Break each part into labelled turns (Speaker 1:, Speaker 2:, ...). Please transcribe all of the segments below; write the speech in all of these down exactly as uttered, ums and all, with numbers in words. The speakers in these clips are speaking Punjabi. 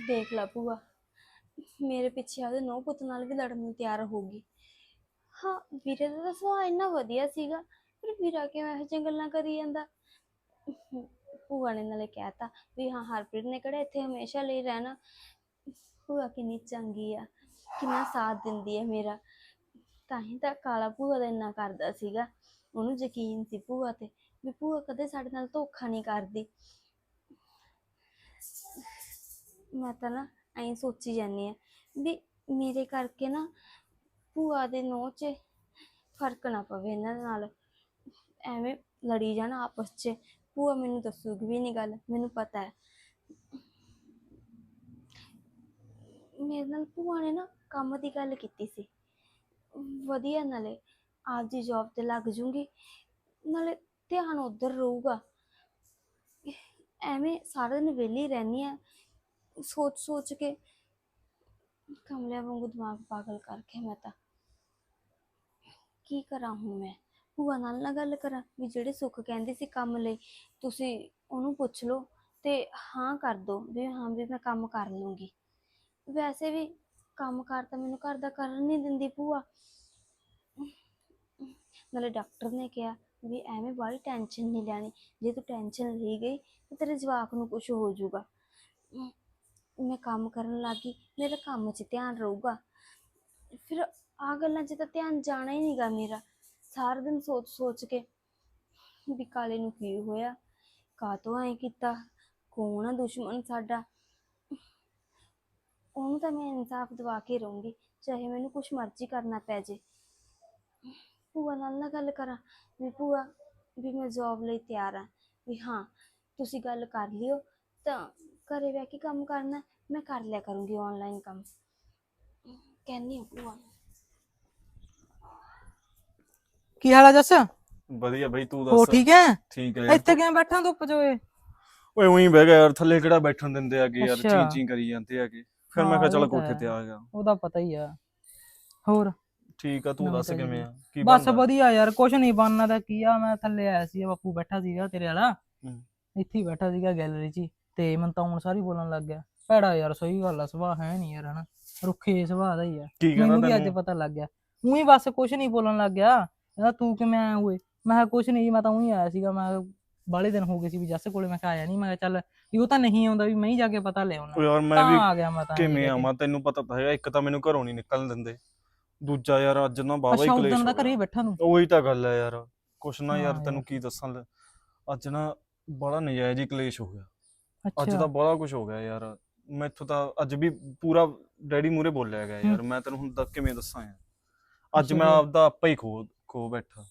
Speaker 1: ਦੇਖ ਲਾ ਭੂਆ, ਮੇਰੇ ਪਿੱਛੇ ਆਪਦੇ ਨੂੰਹ ਪੁੱਤ ਨਾਲ ਵੀ ਲੜਨ ਨੂੰ ਤਿਆਰ ਹੋਊਗੀ। ਹਾਂ, ਵੀਰੇ ਦਾ ਤਾਂ ਸੁਭਾਅ ਇੰਨਾ ਵਧੀਆ ਸੀਗਾ, ਪਰ ਵੀਰਾ ਕਿਉਂ ਇਹੋ ਜਿਹੀਆਂ ਗੱਲਾਂ ਕਰੀ ਜਾਂਦਾ। ਭੂਆ ਨੇ ਨਾਲੇ ਕਹਿਤਾ ਵੀ ਹਾਂ ਹਰਪ੍ਰੀਤ ਨੇ ਕਿਹੜਾ ਇੱਥੇ ਹਮੇਸ਼ਾ ਲਈ ਰਹਿਣਾ। ਭੂਆ ਕਿੰਨੀ ਚੰਗੀ ਆ, ਕਿੰਨਾ ਸਾਥ ਦਿੰਦੀ ਹੈ ਮੇਰਾ। ਤਾਂ ਹੀ ਤਾਂ ਕਾਲਾ ਭੂਆ ਦਾ ਇੰਨਾ ਕਰਦਾ ਸੀਗਾ। ਉਹਨੂੰ ਯਕੀਨ ਸੀ ਭੂਆ ਤੇ, ਵੀ ਭੂਆ ਕਦੇ ਸਾਡੇ ਨਾਲ ਧੋਖਾ ਨਹੀਂ ਕਰਦੀ। ਮੈਂ ਤਾਂ ਨਾ ਐਂ ਸੋਚੀ ਜਾਂਦੀ ਹਾਂ ਵੀ ਮੇਰੇ ਕਰਕੇ ਨਾ ਭੂਆ ਦੇ ਨੂੰਹ 'ਚ ਫਰਕ ਨਾ ਪਵੇ ਇਹਨਾਂ ਦੇ ਨਾਲ, ਐਵੇਂ ਲੜੀ ਜਾਣ ਆਪਸ 'ਚ। ਭੂਆ ਮੈਨੂੰ ਦੱਸੂਗੀ ਵੀ ਨਹੀਂ ਗੱਲ, ਮੈਨੂੰ ਪਤਾ ਹੈ। ਮੇਰੇ ਨਾਲ ਭੂਆ ਨੇ ਨਾ ਕੰਮ ਦੀ ਗੱਲ ਕੀਤੀ ਸੀ, ਵਧੀਆ, ਨਾਲੇ ਆਪਦੀ ਜੌਬ ਤੇ ਲੱਗ ਜੂੰਗੀ, ਨਾਲੇ ਧਿਆਨ ਉੱਧਰ ਰਹੂਗਾ। ਐਵੇਂ ਸਾਰਾ ਦਿਨ ਵਿਹਲੀ ਰਹਿੰਦੀ ਆ, ਸੋਚ ਸੋਚ ਕੇ ਕਮਲਿਆਂ ਵਾਂਗੂ ਦਿਮਾਗ ਪਾਗਲ ਕਰਕੇ। ਮੈਂ ਤਾਂ ਕੀ ਕਰਾਂ ਹੁਣ? ਮੈਂ ਭੂਆ ਨਾਲ ਨਾ ਗੱਲ ਕਰਾਂ ਵੀ ਜਿਹੜੇ ਸੁੱਖ ਕਹਿੰਦੀ ਸੀ ਕੰਮ ਲਈ, ਤੁਸੀਂ ਉਹਨੂੰ ਪੁੱਛ ਲਓ ਤੇ ਹਾਂ ਕਰ ਦੋ ਵੀ ਹਾਂ ਵੀ ਮੈਂ ਕੰਮ ਕਰ ਲੂੰਗੀ। ਵੈਸੇ ਵੀ ਕੰਮ ਕਾਰ ਤਾਂ ਮੈਨੂੰ ਘਰ ਦਾ ਕਰਨ ਨਹੀਂ ਦਿੰਦੀ ਭੂਆ। ਨਾਲੇ ਡਾਕਟਰ ਨੇ ਕਿਹਾ ਵੀ ਐਵੇਂ ਬਾਹਲੀ ਟੈਨਸ਼ਨ ਨਹੀਂ ਲੈਣੀ, ਜੇ ਤੂੰ ਟੈਨਸ਼ਨ ਲਈ ਗਈ ਤਾਂ ਤੇਰੇ ਜਵਾਕ ਨੂੰ ਕੁਝ ਹੋ ਜਾਊਗਾ। ਮੈਂ ਕੰਮ ਕਰਨ ਲੱਗ ਗਈ, ਮੇਰਾ ਕੰਮ 'ਚ ਧਿਆਨ ਰਹੂਗਾ, ਫਿਰ ਆਹ ਗੱਲਾਂ 'ਚ ਤਾਂ ਧਿਆਨ ਜਾਣਾ ਹੀ ਨਹੀਂਗਾ ਮੇਰਾ। ਸਾਰਾ ਦਿਨ ਸੋਚ ਸੋਚ ਕੇ ਵੀ ਕਾਲੇ ਨੂੰ ਕੀ ਹੋਇਆ, ਕਾਹਤੋਂ ਐਂ ਕੀਤਾ, ਕੌਣ ਆ ਦੁਸ਼ਮਣ ਸਾਡਾ। ਉਹਨੂੰ ਤਾਂ ਮੈਂ ਇਨਸਾਫ ਦਿਵਾ ਕੇ ਰਹੂੰਗੀ, ਚਾਹੇ ਮੈਨੂੰ ਕੁਛ ਮਰਜ਼ੀ ਕਰਨਾ ਪੈ ਜੇ। ਭੂਆ ਨਾਲ ਨਾ ਗੱਲ ਕਰਾਂ ਵੀ ਭੂਆ ਵੀ ਮੈਂ ਜੌਬ ਲਈ ਤਿਆਰ ਹਾਂ, ਵੀ ਹਾਂ ਤੁਸੀਂ ਗੱਲ ਕਰ ਲਿਓ ਤਾਂ ਘਰੇ ਬਹਿ ਕੇ ਕੰਮ ਕਰਨਾ ਮੈਂ ਕਰ ਲਿਆ ਕਰੂੰਗੀ, ਆਨਲਾਈਨ ਕੰਮ। ਕਹਿੰਦੀ ਹਾਂ ਭੂਆ ਨੂੰ।
Speaker 2: ਕੀ ਹਾਲ ਆ ਜੱਸ?
Speaker 3: ਵਧੀਆ ਬਈ, ਤੂੰ
Speaker 2: ਹੋ
Speaker 3: ਦੱਸ?
Speaker 2: ਠੀਕ ਹੈ?
Speaker 3: ਠੀਕ ਹੈ ਯਾਰ।
Speaker 2: ਇੱਥੇ ਕਿਵੇਂ ਬੈਠਾ ਧੁੱਪ ਚ ਓਏ?
Speaker 3: ਓਏ ਉਹੀ ਬਹਿ ਗਿਆ ਯਾਰ, ਥੱਲੇ ਕਿਹੜਾ ਬੈਠਣ ਦਿੰਦੇ ਆਗੇ ਯਾਰ,
Speaker 2: ਅੱਛਾ।
Speaker 3: ਚੀਂ ਚੀਂ ਕਰੀ ਜਾਂਦੇ ਆਗੇ। ਫਿਰ ਮੈਂ ਕਿਹਾ
Speaker 2: ਹਾਂ
Speaker 3: ਚੱਲ
Speaker 2: ਇਹ ਤਾਂ
Speaker 3: ਕੋਠੇ ਤੇ
Speaker 2: ਹੈ,
Speaker 3: ਆ ਗਿਆ।
Speaker 2: ਉਹਦਾ ਪਤਾ ਹੀ ਆ। ਹੋਰ
Speaker 3: ਠੀਕ ਆ, ਤੂੰ
Speaker 2: ਨਵੀਂ
Speaker 3: ਦੱਸ
Speaker 2: ਤਾਜੀ
Speaker 3: ਕਿਵੇਂ
Speaker 2: ਕੋਈ?
Speaker 3: ਆ, ਕੀ
Speaker 2: ਬਸ
Speaker 3: ਬਣਦਾ?
Speaker 2: ਵਧੀਆ ਯਾਰ, ਕੁਛ ਨਹੀਂ ਬਣਨਾ ਤਾਂ ਕੀ ਆ। ਮੈਂ ਥੱਲੇ ਆਇਆ ਸੀ, ਬਾਪੂ ਬੈਠਾ ਸੀਗਾ ਤੇਰੇ ਵਾਲਾ,
Speaker 3: ਹੂੰ।
Speaker 2: ਇੱਥੇ ਹੀ ਬੈਠਾ ਸੀਗਾ ਗੈਲਰੀ 'ਚ ਹੀ, ਤੇ ਮੈਨੂੰ ਤਾਂ ਹੁਣ ਸਾਰੀ ਬੋਲਣ ਲੱਗ ਗਿਆ। ਭੈੜਾ ਯਾਰ, ਸਹੀ ਗੱਲ ਆ, ਸੁਭਾਅ ਹੈ ਨਹੀਂ ਯਾਰ, ਹਨਾ ਰੁੱਖੇ ਸੁਭਾਅ ਦਾ ਹੀ ਆ।
Speaker 3: ਕੀ ਕਹਿੰਦਾ
Speaker 2: ਮੈਨੂੰ ਵੀ ਅੱਜ
Speaker 3: ਤੈਨੂੰ?
Speaker 2: ਪਤਾ ਲੱਗ ਗਿਆ। ਊਂ ਬਸ ਕੁਛ ਨਹੀਂ ਬੋਲਣ ਲੱਗ ਗਿਆ। ਕਹਿੰਦਾ ਤੂੰ ਕਿਵੇਂ ਆਇਆ ਹੋਏ? ਮੈਂ ਕਿਹਾ ਕੁਛ ਨਹੀਂ, ਮੈਂ ਤਾਂ ਊਂ ਹੀ ਆਇਆ ਸੀਗਾ। ਮੈਂ ਬਾਹਲੇ ਦਿਨ ਹੋ ਗਏ ਸੀ ਵੀ ਜੱਸ ਕੋਲੇ, ਮੈਂ ਕਿਹਾ ਆਇਆ ਨਹੀਂ। ਮੈਂ ਕਿਹਾ ਚੱਲ ਵੀ ਉਹ ਤਾਂ ਨਹੀਂ ਆਉਂਦਾ, ਵੀ ਮੈਂ ਹੀ ਜਾ ਕੇ ਪਤਾ ਲੈ ਆਉਣਾ,
Speaker 3: ਓ ਯਾਰ ਮੈਂ
Speaker 2: ਤਾਂ
Speaker 3: ਵੀ
Speaker 2: ਆ ਗਿਆ ਮੈਂ ਤਾਂ ਇਹ
Speaker 3: ਕਿਵੇਂ
Speaker 2: ਲੈ ਕੇ।
Speaker 3: ਆਵਾਂ, ਤੈਨੂੰ ਪਤਾ ਤਾਂ ਹੈਗਾ, ਇੱਕ ਤਾਂ ਮੈਨੂੰ ਘਰੋਂ ਨਹੀਂ ਨਿਕਲਣ ਦਿੰਦੇ, ਦੂਜਾ ਯਾਰ ਅੱਜ ਨਾ ਬਾਵਾ ਹੀ
Speaker 2: ਅੱਛਾ, ਉਦਣ
Speaker 3: ਕਲੇਸ਼
Speaker 2: ਦਾ
Speaker 3: ਹੋ
Speaker 2: ਘਰੇ
Speaker 3: ਗਿਆ।
Speaker 2: ਹੀ ਬੈਠਾ ਨੂੰ?
Speaker 3: ਉਹੀ ਤਾਂ ਗੱਲ ਹੈ ਯਾਰ, ਕੁਛ ਨਾ ਯਾਰ
Speaker 2: ਹਾਂ ਯਾਰ।
Speaker 3: ਤੈਨੂੰ ਕੀ ਦੱਸਾਂ, ਅੱਜ ਨਾ ਬੜਾ ਨਜਾਇਜ਼ ਹੀ ਕਲੇਸ਼ ਹੋ ਗਿਆ। ਅੱਜ
Speaker 2: ਅੱਛਾ।
Speaker 3: ਤਾਂ ਬੜਾ ਕੁਝ ਹੋ ਗਿਆ ਯਾਰ, ਮੈਥੋਂ ਤਾਂ ਅੱਜ ਵੀ ਪੂਰਾ ਡੈਡੀ ਮੂਹਰੇ ਬੋਲਿਆ ਗਿਆ
Speaker 2: ਹੂੰ।
Speaker 3: ਯਾਰ। ਮੈਂ ਤੈਨੂੰ ਹੁਣ ਤੱਕ ਕਿਵੇਂ ਦੱਸਾਂ ਯਾਰ, ਅੱਜ
Speaker 2: ਅੱਛਾ
Speaker 3: ਮੈਂ
Speaker 2: ਫਿਰ
Speaker 3: ਆਪਦਾ ਆਪਾ ਹੀ ਖੋ ਖੋ ਬੈਠਾ।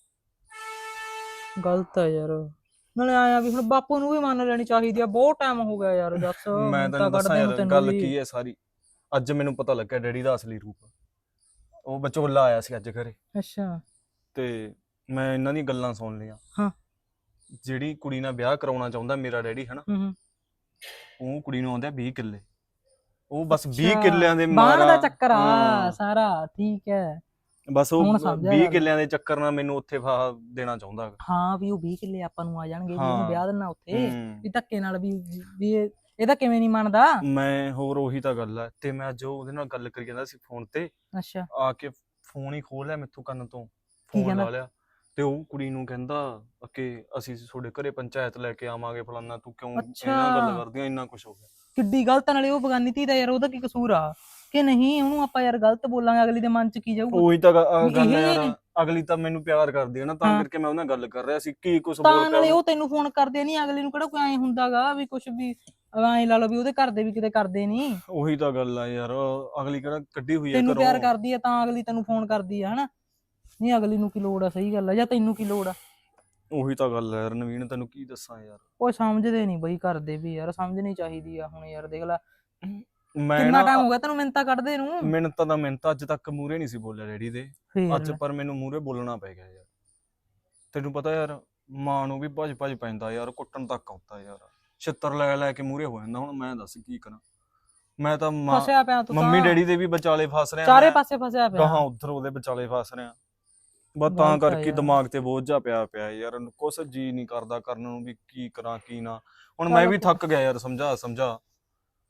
Speaker 2: ਗਲਤ ਆ ਯਾਰ। ਨਾਲੇ ਆਇਆ ਵੀ ਹੁਣ ਬਾਪੂ ਨੂੰ ਵੀ ਮੰਨ ਲੈਣੀ ਚਾਹੀਦੀ ਆ, ਬਹੁਤ ਟਾਈਮ ਹੋ ਗਿਆ ਯਾਰ ਜੱਸ
Speaker 3: ਮੈਂ
Speaker 2: ਮਿੰਤਾ
Speaker 3: ਤੈਨੂੰ ਦੱਸਾਂ
Speaker 2: ਕੱਢਦੇ ਨੂੰ
Speaker 3: ਯਾਰ
Speaker 2: ਤੈਨੂੰ
Speaker 3: ਗੱਲ
Speaker 2: ਵੀ।
Speaker 3: ਕੀ ਹੈ ਸਾਰੀ, ਅੱਜ ਮੈਨੂੰ ਪਤਾ ਲੱਗਿਆ ਡੈਡੀ ਦਾ ਅਸਲੀ ਰੂਪ। ਉਹ ਵਿਚੋਲਾ ਆਇਆ ਸੀ ਅੱਜ ਘਰੇ,
Speaker 2: ਅੱਛਾ।
Speaker 3: ਤੇ ਮੈਂ ਇਹਨਾਂ ਦੀਆਂ ਗੱਲਾਂ ਸੁਣ ਲਈਆਂ।
Speaker 2: ਹਾਂ।
Speaker 3: ਜਿਹੜੀ ਕੁੜੀ ਨਾਲ ਵਿਆਹ ਕਰਾਉਣਾ ਚਾਹੁੰਦਾ ਮੇਰਾ ਡੈਡੀ ਹਨਾ,
Speaker 2: ਹੂੰ ਹੂੰ।
Speaker 3: ਉਹ ਕੁੜੀ ਨੂੰ ਆਉਂਦੇ ਆ ਵੀਹ ਕਿੱਲੇ। ਉਹ ਬਸ ਵੀਹ
Speaker 2: ਅੱਛਾ,
Speaker 3: ਕਿੱਲਿਆਂ ਦੇ
Speaker 2: ਬਾਣ
Speaker 3: ਮਾਰਾ।
Speaker 2: ਦਾ ਚੱਕਰ ਆ
Speaker 3: ਹਾਂ,
Speaker 2: ਸਾਰਾ, ਠੀਕ ਹੈ।
Speaker 3: ਬਸ ਉਹ
Speaker 2: ਹੁਣ ਸਮਝਿਆ
Speaker 3: ਵੀਹ
Speaker 2: ਗੱਲ।
Speaker 3: ਕਿੱਲਿਆਂ ਦੇ ਚੱਕਰ ਨਾਲ ਮੈਨੂੰ ਉੱਥੇ ਫਾਹਾ ਦੇਣਾ ਚਾਹੁੰਦਾ ਹੈਗਾ।
Speaker 2: ਹਾਂ ਵੀ ਉਹ ਵੀਹ ਕਿੱਲੇ ਆਪਾਂ ਨੂੰ ਆ ਜਾਣਗੇ, ਵੀ ਉਹਨੂੰ
Speaker 3: ਹਾਂ।
Speaker 2: ਵਿਆਹ ਦੇਣਾ ਉੱਥੇ,
Speaker 3: ਹੂੰ।
Speaker 2: ਵੀ ਧੱਕੇ ਨਾਲ, ਵੀ ਵੀ ਇਹ- ਇਹਦਾ ਕਿਵੇਂ ਨਹੀਂ ਮੰਨਦਾ।
Speaker 3: ਮੈਂ ਹੋਰ ਉਹੀ ਤਾਂ ਗੱਲ ਹੈ, ਤੇ ਮੈਂ ਅੱਜ ਉਹਦੇ ਨਾਲ ਗੱਲ ਕਰੀ ਜਾਂਦਾ ਸੀ ਫੋਨ ਤੇ,
Speaker 2: ਅੱਛਾ।
Speaker 3: ਆ ਕੇ ਫੋਨ ਹੀ ਖੋਲ ਲਿਆ ਮੈਥੋਂ ਕੰਨ ਤੋਂ,
Speaker 2: ਕੀ
Speaker 3: ਫੋਨ
Speaker 2: ਕਹਿੰਦਾ?
Speaker 3: ਲਾ ਲਿਆ, ਤੇ ਉਹ ਕੁੜੀ ਨੂੰ ਕਹਿੰਦਾ ਕਿ ਅਸੀਂ ਤੁਹਾਡੇ ਘਰੇ ਪੰਚਾਇਤ ਲੈ ਕੇ ਆਵਾਂਗੇ, ਫਲਾਨਾ, ਤੂੰ ਕਿਉਂ
Speaker 2: ਅੱਛਾ,
Speaker 3: ਇਹਨਾਂ ਗੱਲ ਕਰਦੀਆਂ, ਇੰਨਾ ਕੁਝ ਹੋ ਗਿਆ।
Speaker 2: ਕਿੱਡੀ ਗਲਤ। ਨਾਲੇ ਉਹ ਬਗਾਨੀ ਧੀ ਦਾ ਯਾਰ, ਉਹਦਾ ਕੀ ਕਸੂਰ ਆ ਕਿ ਨਹੀਂ? ਉਹਨੂੰ ਆਪਾਂ ਯਾਰ ਗਲਤ ਬੋਲਾਂਗੇ, ਅਗਲੀ ਦੇ ਮਨ 'ਚ ਕੀ ਜਾਊਗਾ
Speaker 3: ਉਹੀ ਤਾਂ ਗ-
Speaker 2: ਵੀ
Speaker 3: ਅਹ
Speaker 2: ਇਹ
Speaker 3: ਗੱਲ ਹੈ
Speaker 2: ਜਿਹੇ
Speaker 3: ਯਾਰ,
Speaker 2: ਨੇ।
Speaker 3: ਅਗਲੀ ਤਾਂ ਮੈਨੂੰ ਪਿਆਰ ਕਰਦੀ ਹੈ ਨਾ, ਤਾਂ
Speaker 2: ਹਾਂ,
Speaker 3: ਕਰਕੇ ਮੈਂ ਉਹਨਾਂ ਨਾਲ ਗੱਲ ਕਰ ਰਿਹਾ ਸੀ, ਕੀ ਕੁਝ ਬੋਲ
Speaker 2: ਤਾਂ
Speaker 3: ਪਿਆ
Speaker 2: ਨਾਲੇ
Speaker 3: ਉਹਨੂੰ।
Speaker 2: ਉਹ ਤੈਨੂੰ ਫੋਨ ਕਰਦੇ ਨਹੀਂ, ਅਗਲੇ ਨੂੰ ਕਿਹੜਾ ਕੋਈ ਐਂ ਹੁੰਦਾਗਾ ਵੀ ਕੁਛ ਵੀ ਐਂ ਲਾ ਲਓ ਵੀ ਉਹਦੇ ਘਰ ਦੇ ਵੀ ਕਿਤੇ ਕਰਦੇ ਨਹੀਂ।
Speaker 3: ਉਹੀ ਤਾਂ ਗੱਲ ਆ ਯਾਰ, ਅਗਲੀ ਕਿਹੜਾ ਕੱਢੀ ਹੋਈ ਹੈ
Speaker 2: ਤੈਨੂੰ ਪਿਆਰ
Speaker 3: ਘਰੋਂ।
Speaker 2: ਕਰਦੀ ਆ ਤਾਂ ਅਗਲੀ ਤੈਨੂੰ ਫੋਨ ਕਰਦੀ ਆ, ਹਨਾ? ਨਹੀਂ ਅਗਲੀ ਨੂੰ ਕੀ ਲੋੜ ਆ, ਸਹੀ ਗੱਲ ਆ, ਜਾਂ ਤੈਨੂੰ ਕੀ ਲੋੜ ਆ?
Speaker 3: ਉਹੀ ਤਾਂ ਗੱਲ ਹੈ ਯਾਰ ਨਵੀਨ, ਤੈਨੂੰ ਕੀ ਦੱਸਾਂ ਯਾਰ।
Speaker 2: ਉਹ ਸਮਝਦੇ ਨਹੀਂ ਬਈ, ਕਰਦੇ ਵੀ ਯਾਰ, ਸਮਝਣੀ ਚਾਹੀਦੀ ਆ ਹੁਣ ਯਾਰ। ਦੇਖ ਲੈ
Speaker 3: ਮੈਂ
Speaker 2: ਕਿੰਨਾ
Speaker 3: ਨਾ
Speaker 2: ਟਾਈਮ ਹੋ ਗਿਆ ਤੈਨੂੰ ਮਿੰਤਾ ਕੱਢਦੇ ਨੂੰ।
Speaker 3: ਮਿੰਨਤਾਂ ਦਾ ਮਿੰਨਤ ਅੱਜ ਤੱਕ ਮੂਹਰੇ ਨਹੀਂ ਸੀ ਬੋਲਿਆ ਡੈਡੀ ਦੇ,
Speaker 2: ਫੇਰ
Speaker 3: ਅੱਜ
Speaker 2: ਲੈ।
Speaker 3: ਪਰ ਮੈਨੂੰ ਮੂਹਰੇ ਬੋਲਣਾ ਪੈ ਗਿਆ ਯਾਰ। ਤੈਨੂੰ ਪਤਾ ਯਾਰ, ਮਾਂ ਨੂੰ ਵੀ ਭੱਜ ਭੱਜ ਪੈਂਦਾ ਯਾਰ, ਕੁੱਟਣ ਤੱਕ ਆਉਂਦਾ ਯਾਰ, ਛਿੱਤਰ ਲੈ ਲੈ ਕੇ ਮੂਹਰੇ ਹੋ ਜਾਂਦਾ। ਹੁਣ ਮੈਂ ਦੱਸ ਕੀ ਕਰਾਂ, ਮੈਂ ਤਾਂ ਮਾਂ
Speaker 2: ਫਸਿਆ ਪਿਆ ਤੂੰ
Speaker 3: ਮੰਮੀ
Speaker 2: ਤਾਂ,
Speaker 3: ਡੈਡੀ ਦੇ ਵੀ ਵਿਚਾਲੇ ਫਸ ਰਿਹਾ,
Speaker 2: ਚਾਰੇ
Speaker 3: ਮੈਂ
Speaker 2: ਪਾਸੇ ਫਸਿਆ ਪਿਆ।
Speaker 3: ਗਾਹਾਂ ਉਧਰ ਉਹਦੇ ਵਿਚਾਲੇ ਫਸ ਰਿਹਾ, ਬਸ ਤਾਂ
Speaker 2: ਗਲਤ ਆ
Speaker 3: ਕਰਕੇ
Speaker 2: ਯਾਰ।
Speaker 3: ਦਿਮਾਗ ਤੇ ਬੋਝ ਜਾ ਪਿਆ ਪਿਆ ਯਾਰ, ਕੁਛ ਜੀ ਨਹੀਂ ਕਰਦਾ ਕਰਨ ਨੂੰ ਵੀ ਕੀ ਕਰਾਂ ਕੀ ਨਾ। ਹੁਣ ਮੈਂ
Speaker 2: ਚੱਲ
Speaker 3: ਵੀ
Speaker 2: ਕੋ-
Speaker 3: ਥੱਕ ਗਿਆ ਯਾਰ, ਸਮਝਾ ਸਮਝਾ